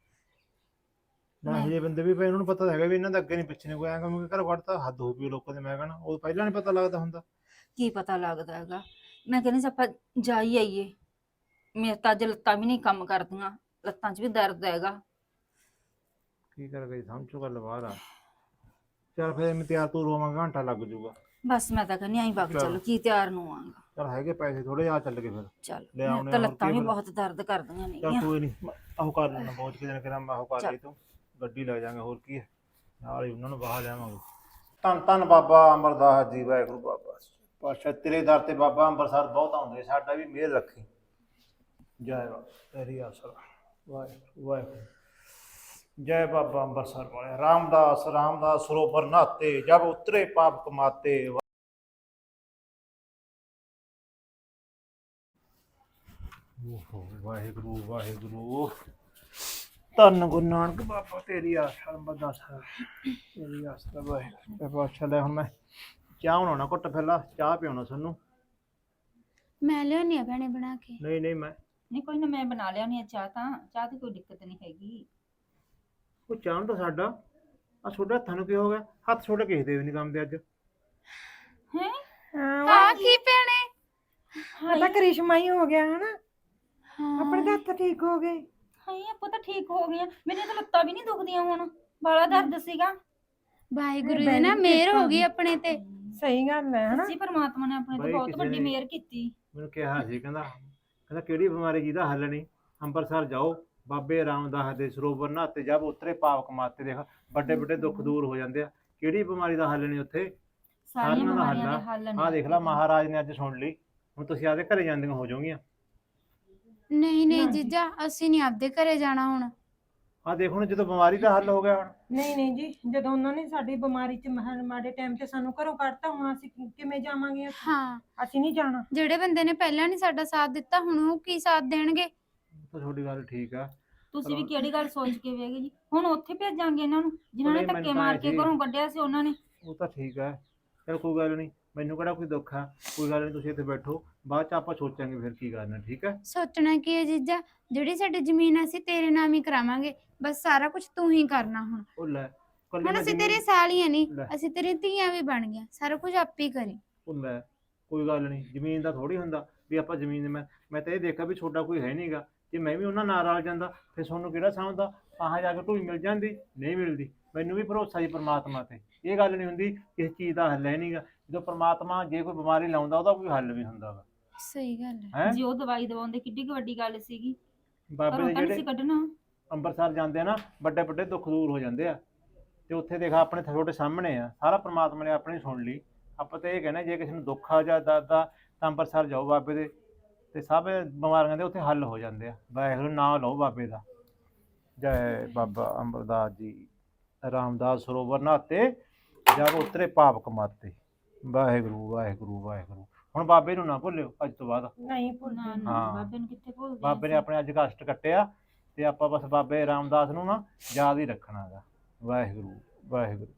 ਨਾ ਇਹ ਬੰਦੇ ਵੀ ਪਏ, ਉਹਨਾਂ ਨੂੰ ਪਤਾ ਹੈਗਾ ਵੀ ਇਹਨਾਂ ਦਾ ਅੱਗੇ ਨਹੀਂ ਪਿੱਛੇ ਨਹੀਂ ਕੋਈ। ਐਂ ਕਹੂੰਗੇ ਘਰ ਵੜਤਾ, ਹੱਦ ਹੋ ਪਈ ਲੋਕਾਂ ਦੇ। ਮੈਂ ਕਹਿਣਾ ਉਹ ਪਹਿਲਾਂ ਨਹੀਂ ਪਤਾ ਲੱਗਦਾ ਹੁੰਦਾ। ਕੀ ਪਤਾ ਲੱਗਦਾ ਹੈਗਾ। ਮੈਂ ਕਹਿੰਦੀ ਸੀ ਆਪਾਂ ਜਾ ਹੀ ਆਈਏ। ਮੇਰੇ ਤਾਂ ਅੱਜ ਲੱਤਾਂ ਵੀ ਨਹੀਂ ਕੰਮ ਕਰਦੀਆਂ, ਲੱਤਾਂ 'ਚ ਵੀ ਦਰਦ ਹੈਗਾ। ਕੀ ਕਰ ਗਈ, ਸਮਝੋ ਗੱਲ ਬਾਹਰ ਆ। ਚੱਲ ਫਿਰ ਮੈਂ ਤਿਆਰ ਤੂਰ ਹੋਵਾਂਗਾ, ਘੰਟਾ ਲੱਗ ਜਾਊਗਾ। ਬਸ ਮੈਂ ਤਾਂ ਕਹਿੰਦੀ ਆਈ ਵਗ ਚੱਲ। ਚੱਲੋ, ਕੀ ਤਿਆਰ ਨੂੰ ਆਂਗਾ। ਚੱਲ ਹੈਗੇ ਪੈਸੇ ਥੋੜੇ, ਆ ਚੱਲ ਕੇ ਫਿਰ ਚੱਲ ਲੈ ਆਉਣੇ ਤਾਂ ਆ, ਹੋਰ ਲੱਤਾਂ ਕੀ ਵੀ ਬਣਾ- ਬਹੁਤ ਦਰਦ ਕਰਦੀਆਂ ਚੱਲ ਨੇਗੀਆਂ। ਕੋਈ ਨਹੀਂ, ਆਹੋ ਕਰ ਲੈਣਾ। ਪਹੁੰਚ ਕੇ ਦਿਨ ਕਿਰਾਂ ਮੈਂ ਆਹੋ ਕਰ ਚੱਲ। ਲਈ ਤੂੰ ਗੱਡੀ ਲੈ ਜਾਾਂਗੇ। ਹੋਰ ਕੀ ਹੈ, ਨਾਲ ਹੀ ਉਹਨਾਂ ਨੂੰ ਬਾਹਰ ਲਿਆਵਾਂਗੇ। ਧੰਨ ਧੰਨ ਬਾਬਾ ਅਮਰਦਾਸ ਜੀ, ਵਾਹਿਗੁਰੂ ਬਾਬਾ ਪਾਤਸ਼ਾਹ। ਤੇਰੇ ਦਰ ਤੇ ਬਾਬਾ ਅੰਮ੍ਰਿਤਸਰ ਬਹੁਤ ਆਉਂਦੇ, ਸਾਡਾ ਵੀ ਮਿਹਰ ਰੱਖੀ। ਜੈ ਬਾਬਾ ਤੇਰੀ ਆਸਰਾ। ਵਾਹਿਗੁਰੂ ਵਾਹਿਗੁਰੂ। ਜੈ ਬਾਬਾ ਅੰਮ੍ਰਿਤਸਰ ਵਾਲੇ। ਰਾਮਦਾਸ ਰਾਮਦਾਸ ਸਰੋਵਰ ਨਹਾਤੇ, ਜਬ ਉਤਰੇ ਪਾਪ ਕਮਾਤੇ। ਓਹੋ ਵਾਹਿਗੁਰੂ ਵਾਹਿਗੁਰੂ। ਧੰਨ ਗੁਰੂ ਨਾਨਕ ਬਾਬਾ ਤੇਰੀ ਆਸ ਅੰਬਰਦਾਸ ਤੇਰੀ ਆਸ ਦਾ ਵਾਹਿਗੁਰੂ ਪਾਤਸ਼ਾਹ। ਲੈ ਹੁਣ ਮੈਂ ਚਾਹ ਬਣਾਉਣਾ, ਘੁੱਟ ਪਹਿਲਾਂ ਚਾਹ ਪਿਆਉਣਾ ਸਾਨੂੰ। ਮੈਂ ਲਿਆਉਣੀ ਆ ਭੈਣੇ ਬਣਾ ਕੇ। ਨਹੀਂ ਨਹੀਂ ਮੈਂ ਨਹੀਂ ਕੋਈ ਨਾ, ਮੈਂ ਬਣਾ ਲਿਆਉਣੀ ਆ ਚਾਹ, ਤਾਂ ਚਾਹ ਦੀ ਕੋਈ ਦਿੱਕਤ ਨਹੀਂ ਹੈਗੀ। ਉਹ ਚਾਹ ਨੂੰ ਤਾਂ ਸਾਡਾ ਆ ਤੁਹਾਡੇ ਹੱਥਾਂ ਨੂੰ ਕੀ ਹੋ ਗਿਆ? ਹੱਥ ਛੋਟੇ ਕਿਸੇ ਦੇ ਵੀ ਨਹੀਂ ਕੰਮ ਦੇ ਅੱਜ। ਹੈ ਹਾਂ ਕੀ ਭੈਣੇ? ਆ ਤਾਂ ਕਰਿਸ਼ਮਾ ਹੀ ਹੋ ਗਿਆ ਹਨਾ, ਹਾਂ ਆਪਣੇ ਤਾਂ ਹੱਥ ਠੀਕ ਹੋ ਗਏ। ਹਾਏ ਆਪਾਂ ਤਾਂ ਠੀਕ ਹੋ ਗਈਆਂ, ਮੇਰੀਆਂ ਤਾਂ ਲੱਤਾਂ ਵੀ ਨਹੀਂ ਦੁਖਦੀਆਂ ਹੁਣ, ਬਾਲਾ ਦਰਦ ਸੀਗਾ। ਵਾਹਿਗੁਰੂ ਜੀ ਨਾ ਮਿਹਰ ਹੋ ਗਈ ਆਪਣੇ ਤੇ। ਸਹੀ ਗੱਲ ਹੈ ਹਨਾ। ਸੱਚੀ ਪਰਮਾਤਮਾ ਨੇ ਆਪਣੇ ਤੇ ਬਾਈ ਬਹੁਤ ਕਿਸੇ ਵੱਡੀ ਨੇ- ਮਿਹਰ ਕੀਤੀ। ਮੈਨੂੰ ਕਿਹਾ ਸੀ, ਕਹਿੰਦਾ ਕਹਿੰਦਾ ਕਿਹੜੀ ਬਿਮਾਰੀ ਜਿਹਦਾ ਹੱਲ ਨਹੀਂ, ਅੰਮ੍ਰਿਤਸਰ ਜਾਓ ਬਾਬੇ ਰਾਮਦਾਸ ਦੇ ਸਰੋਵਰ ਨਹਾਤੇ ਜਦ ਉਤਰੇ ਪਾਪ ਕਮਾਤੇ, ਦੇਖ ਵੱਡੇ ਵੱਡੇ ਦੁੱਖ ਦੂਰ ਹੋ ਜਾਂਦੇ ਆ। ਕਿਹੜੀ ਬਿਮਾਰੀ ਦਾ ਹੱਲ ਨਹੀਂ ਉੱਥੇ, ਸਾਰੀਆਂ ਸਾਰਿਆਂ ਦਾ ਬਿਮਾਰੀਆਂ ਹੱਲ ਦੇ ਹੱਲ ਆ। ਨੇ। ਆਹ ਦੇਖ ਲਾ ਮਹਾਰਾਜ ਨੇ ਅੱਜ ਸੁਣ ਲਈ, ਹੁਣ ਤੁਸੀਂ ਆਪਦੇ ਘਰੇ ਜਾਂਦੀਆਂ ਹੋ ਜਾਓਗੀਆਂ। ਨਹੀਂ ਨਹੀਂ ਜੀਜਾ, ਅਸੀਂ ਨਹੀਂ ਆਪਦੇ ਘਰੇ ਜਾਣਾ ਹੁਣ। ਆਹ ਦੇਖ ਹੁਣ ਜਦੋਂ ਬਿਮਾਰੀ ਦਾ ਹੱਲ ਹੋ ਗਿਆ ਹੁਣ। ਨਹੀਂ ਨਹੀਂ ਜੀ, ਜਦੋਂ ਉਹਨਾਂ ਨੇ ਸਾਡੀ ਬਿਮਾਰੀ ਚ ਮਹਾ- ਮਾੜੇ ਟਾਈਮ ਤੇ ਸਾਨੂੰ ਘਰੋਂ ਕੱਢਤਾ, ਹੁਣ ਅਸੀਂ ਕਿ- ਕਿਵੇਂ ਜਾਵਾਂਗੇ ਉੱਥੇ? ਹਾਂ, ਅਸੀਂ ਨਹੀਂ ਜਾਣਾ। ਜਿਹੜੇ ਬੰਦੇ ਨੇ ਪਹਿਲਾਂ ਨਹੀਂ ਸਾਡਾ ਸਾਥ ਦਿੱਤਾ, ਹੁਣ ਉਹ ਕੀ ਸਾਥ ਦੇਣਗੇ? ਉਹ ਤਾਂ ਤੁਹਾਡੀ ਗੱਲ ਠੀਕ ਆ। ਤੁਸੀਂ ਵੀ ਕਿਹੜੀ ਗੱਲ ਸੋਚ ਕੇ ਵੇਗੇ ਜੀ, ਹੁਣ ਉੱਥੇ ਭੇਜਾਂਗੇ ਇਹਨਾਂ ਨੂੰ ਜਿਨ੍ਹਾਂ ਨੇ ਉਹਨੇ ਧੱਕੇ ਮੈਨੂੰ ਮਾਰ ਤਾਂ ਕੇ ਜੀ- ਘਰੋਂ ਕੱਢਿਆ ਸੀ ਉਹਨਾਂ ਨੇ। ਉਹ ਤਾਂ ਠੀਕ ਹੈ, ਚਲ ਕੋਈ ਗੱਲ ਨਹੀਂ, ਮੈਨੂੰ ਕਿਹੜਾ ਕੋਈ ਦੁੱਖ ਆ, ਕੋਈ ਗੱਲ ਨਹੀਂ, ਤੁਸੀਂ ਇੱਥੇ ਬੈਠੋ, ਬਾਅਦ ਚ ਆਪਾਂ ਸੋਚਾਂਗੇ ਫਿਰ ਕੀ ਕਰਨਾ। ਠੀਕ ਹੈ ਸੋਚਣਾ ਕੀ ਹੈ ਜੀਜਾ, ਜਿਹੜੀ ਸਾਡੀ ਜ਼ਮੀਨ ਅਸੀਂ ਤੇਰੇ ਨਾਮ ਹੀ ਕਰਾਵਾਂਗੇ, ਬਸ ਸਾਰਾ ਕੁਝ ਤੂੰ ਹੀ ਕਰਨਾ ਹੁਣ। ਉਹ ਲੈ ਕੱਲੀ ਹੁਣ ਮੈਂ ਅਸੀਂ ਜ਼ਮੀਨ- ਤੇਰੇ ਸਾਲੀਆਂ ਨਹੀਂ, ਲੈ। ਅਸੀਂ ਤੇਰੀ ਧੀਆਂ ਵੀ ਬਣ ਗਈਆਂ, ਸਾਰਾ ਕੁਝ ਆਪੇ ਹੀ ਕਰੀ। ਉਹ ਲੈ ਕੋਈ ਗੱਲ ਨਹੀਂ, ਜ਼ਮੀਨ ਦਾ ਥੋੜੀ ਹੁੰਦਾ ਵੀ ਆਪਾਂ ਜ਼ਮੀਨ। ਮੈਂ ਮੈਂ ਤਾਂ ਇਹ ਦੇਖਿਆ ਵੀ ਛੋਟਾ ਕੋਈ ਹੈ ਨਹੀਂਗਾ, ਜੇ ਮੈਂ ਵੀ ਉਹਨਾਂ ਨਾਲ ਰਲ ਜਾਂਦਾ ਫਿਰ ਤੁਹਾਨੂੰ ਕਿਹੜਾ ਸਮਝਦਾ, ਆਹਾਂ ਜਾ ਕੇ ਢੂਈ ਮਿਲ ਜਾਂਦੀ, ਨਹੀਂ ਮਿਲਦੀ। ਮੈਨੂੰ ਵੀ ਭਰੋਸਾ ਜੀ ਪਰਮਾਤਮਾ ਤੇ, ਇਹ ਗੱਲ ਨਹੀਂ ਹੁੰਦੀ ਕਿਸੇ ਚੀਜ਼ ਦਾ ਹੱਲ ਹੈ ਨਹੀਂਗਾ। ਜਦੋਂ ਪਰਮਾਤਮਾ ਜੇ ਕੋਈ ਬਿਮਾਰੀ ਲਾਉਂਦਾ ਉਹਦਾ ਕੋਈ ਹੱਲ ਵੀ ਹੁੰਦਾ ਵਾ। ਸਹੀ ਗੱਲ ਹੈ। ਹੈ ਜੇ ਉਹ ਦਵਾਈ ਦਵਾਉਂਦੇ ਕਿੱਡੀ ਕੁ ਵੱਡੀ ਗੱਲ ਸੀਗੀ, ਬਾਬੇ ਘਰੋਂ ਦੇ ਤਾਂ ਨਹੀਂ ਜਿਹੜੇ ਸੀ ਕੱਢਣਾ। ਅੰਮ੍ਰਿਤਸਰ ਜਾਂਦੇ ਆ ਨਾ, ਵੱਡੇ ਵੱਡੇ ਦੁੱਖ ਦੂਰ ਹੋ ਜਾਂਦੇ ਆ। ਤੇ ਉੱਥੇ ਦੇਖਾ ਆਪਣੇ ਤੁਹਾਡੇ ਸਾਹਮਣੇ ਆ, ਸਾਰਾ ਪਰਮਾਤਮਾ ਨੇ ਆਪਣੀ ਸੁਣ ਲਈ। ਆਪਾਂ ਤਾਂ ਇਹ ਕਹਿੰਦੇ ਜੇ ਕਿਸੇ ਨੂੰ ਦੁੱਖ ਆ ਜਾਂ ਦਰਦ ਆ ਤਾਂ ਅੰਮ੍ਰਿਤਸਰ ਜਾਓ ਬਾਬੇ ਦੇ, ਤੇ ਸਭ ਬਿਮਾਰੀਆਂ ਦੇ ਉੱਥੇ ਹੱਲ ਹੋ ਜਾਂਦੇ ਆ। ਵਾਹਿਗੁਰੂ ਨਾਂ ਲਓ ਬਾਬੇ ਦਾ। ਜੈ ਬਾਬਾ ਅਮਰਦਾਸ ਜੀ ਰਾਮਦਾਸ ਸਰੋਵਰ ਨਹਾਤੇ ਜਦ ਉਤਰੇ ਪਾਪ ਕਮਾਤੇ। ਵਾਹਿਗੁਰੂ ਵਾਹਿਗੁਰੂ ਵਾਹਿਗੁਰੂ। ਹੁਣ ਬਾਬੇ ਨੂੰ ਨਾ ਭੁੱਲਿਓ ਅੱਜ ਤੋਂ ਬਾਅਦ। ਨਹੀਂ ਨਾ ਭੁੱਲਣਾ। ਨਾ ਹਾਂ। ਬਾਬੇ ਨੂੰ ਕਿੱਥੇ ਭੁੱਲਦੇ ਬਾਬੇ ਨੇ ਆਪਣੇ ਅੱਜ ਕਸ਼ਟ ਕੱਟਿਆ ਤੇ ਆਪਾਂ ਬਸ ਬਾਬੇ ਰਾਮਦਾਸ ਨੂੰ ਨਾ ਯਾਦ ਹੀ ਰੱਖਣਾ ਹੈਗਾ। ਵਾਹਿਗੁਰੂ ਵਾਹਿਗੁਰੂ।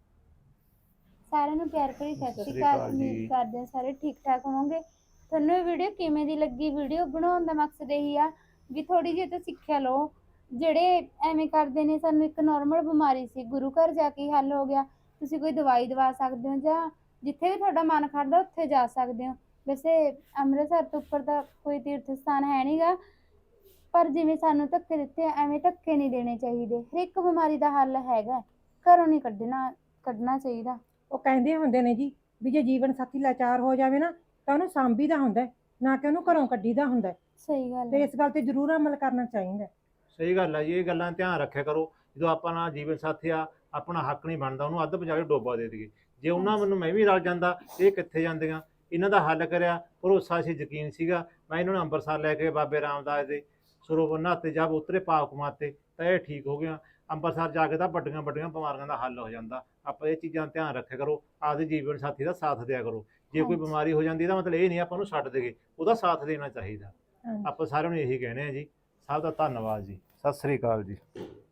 ਸਾਰਿਆਂ ਨੂੰ ਪਿਆਰ ਭਰੀ ਸਤਿ ਸਤਿ ਸ਼੍ਰੀ ਸ਼੍ਰੀ ਅਕਾਲ। ਅਕਾਲ ਉਮੀਦ ਜੀ। ਕਰਦੇ ਹਾਂ ਸਾਰੇ ਠੀਕ ਠਾਕ ਹੋਵੋਗੇ। ਤੁਹਾਨੂੰ ਇਹ ਵੀਡੀਓ ਕਿਵੇਂ ਦੀ ਲੱਗੀ? ਵੀਡੀਓ ਬਣਾਉਣ ਦਾ ਮਕਸਦ ਇਹੀ ਆ ਵੀ ਥੋੜੀ ਜਿਹੀ ਤਾਂ ਸਿੱਖਿਆ ਲਓ। ਜਿਹੜੇ ਐਵੇਂ ਕਰਦੇ ਨੇ, ਸਾਨੂੰ ਇੱਕ ਨਾਰਮਲ ਬਿਮਾਰੀ ਸੀ, ਗੁਰੂ ਘਰ ਜਾ ਕੇ ਹੀ ਹੱਲ ਹੋ ਗਿਆ। ਤੁਸੀਂ ਕੋਈ ਦਵਾਈ ਦਵਾ ਸਕਦੇ ਹੋ ਜਾਂ ਜਿੱਥੇ ਵੀ ਤੁਹਾਡਾ ਮਨ ਕਰਦਾ ਉੱਥੇ ਜਾ ਸਕਦੇ ਹੋ। ਵੈਸੇ ਅੰਮ੍ਰਿਤਸਰ ਤੋਂ ਉੱਪਰ ਤਾਂ ਕੋਈ ਤੀਰਥ ਸਥਾਨ ਹੈ ਨਹੀਂਗਾ, ਪਰ ਜਿਵੇਂ ਸਾਨੂੰ ਧੱਕੇ ਦਿੱਤੇ ਆ, ਐਵੇਂ ਧੱਕੇ ਨਹੀਂ ਦੇਣੇ ਚਾਹੀਦੇ। ਹਰ ਇੱਕ ਬਿਮਾਰੀ ਦਾ ਹੱਲ ਹੈਗਾ, ਘਰੋਂ ਨਹੀਂ ਕੱਢਣਾ ਕੱਢਣਾ ਚਾਹੀਦਾ। ਉਹ ਕਹਿੰਦੇ ਹੁੰਦੇ ਨੇ ਜੀ ਵੀ ਜੇ ਜੀਵਨ ਸਾਥੀ ਲਾਚਾਰ ਹੋ ਜਾਵੇ ਨਾ ਤਾਂ ਉਹਨੂੰ ਸਾਂਭੀਦਾ ਹੁੰਦਾ ਹੈ, ਨਾ ਕਿ ਉਹਨੂੰ ਘਰੋਂ ਕੱਢੀਦਾ ਹੁੰਦਾ ਹੈ। ਸਹੀ ਗੱਲ ਤੇ ਹੈ। ਇਸ ਗੱਲ ਤੇ ਜ਼ਰੂਰ ਅਮਲ ਕਰਨਾ ਚਾਹੀਦਾ ਹੈ। ਸਹੀ ਗੱਲ ਹੈ ਜੀ, ਇਹ ਗੱਲਾਂ ਧਿਆਨ ਰੱਖਿਆ ਕਰੋ। ਜਦੋਂ ਆਪਾਂ ਨਾਲ ਜੀਵਨ ਸਾਥੀ ਆ, ਆਪਣਾ ਹੱਕ ਨਹੀਂ ਬਣਦਾ ਉਹਨੂੰ ਅੱਧ ਪਜਾ ਕੇ ਡੋਬਾ ਦੇ ਦਈਏ। ਜੇ ਉਹਨਾਂ ਮੈਨੂੰ ਮੈਂ ਵੀ ਰਲ ਜਾਂਦਾ, ਇਹ ਕਿੱਥੇ ਜਾਂਦੀਆਂ। ਇਹਨਾਂ ਦਾ ਹੱਲ ਕਰਿਆ, ਭਰੋਸਾ ਸੀ, ਯਕੀਨ ਸੀਗਾ। ਮੈਂ ਇਹਨਾਂ ਨੂੰ ਅੰਮ੍ਰਿਤਸਰ ਲੈ ਕੇ ਬਾਬੇ ਰਾਮਦਾਸ ਦੇ ਸਰੋਵਰ ਨਹਾਤੇ ਜਦ ਉਤਰੇ ਪਾਪ ਕਮਾਤੇ ਤਾਂ ਇਹ ਠੀਕ ਹੋ ਗਿਆ। ਅੰਮ੍ਰਿਤਸਰ ਜਾ ਕੇ ਤਾਂ ਵੱਡੀਆਂ ਵੱਡੀਆਂ ਬਿਮਾਰੀਆਂ ਦਾ ਹੱਲ ਹੋ ਜਾਂਦਾ। ਆਪਾਂ ਇਹ ਚੀਜ਼ਾਂ ਦਾ ਧਿਆਨ ਰੱਖਿਆ ਕਰੋ, ਆਪਦੇ ਜੀਵਨ ਸਾਥੀ ਦਾ ਸਾਥ ਦਿਆ ਕਰੋ। ਜੇ ਕੋਈ ਹਾਂਜੀ। ਬਿਮਾਰੀ ਹੋ ਜਾਂਦੀ ਇਹਦਾ ਮਤਲਬ ਇਹ ਨਹੀਂ ਆਪਾਂ ਉਹਨੂੰ ਛੱਡ ਦੇਗੇ, ਉਹਦਾ ਸਾਥ ਦੇਣਾ ਚਾਹੀਦਾ। ਹਾਂਜੀ। ਆਪਾਂ ਸਾਰਿਆਂ ਨੂੰ ਇਹੀ ਕਹਿੰਦੇ ਆ ਜੀ। ਸਭ ਦਾ ਧੰਨਵਾਦ ਜੀ। ਸਤਿ ਸ੍ਰੀ ਅਕਾਲ ਜੀ।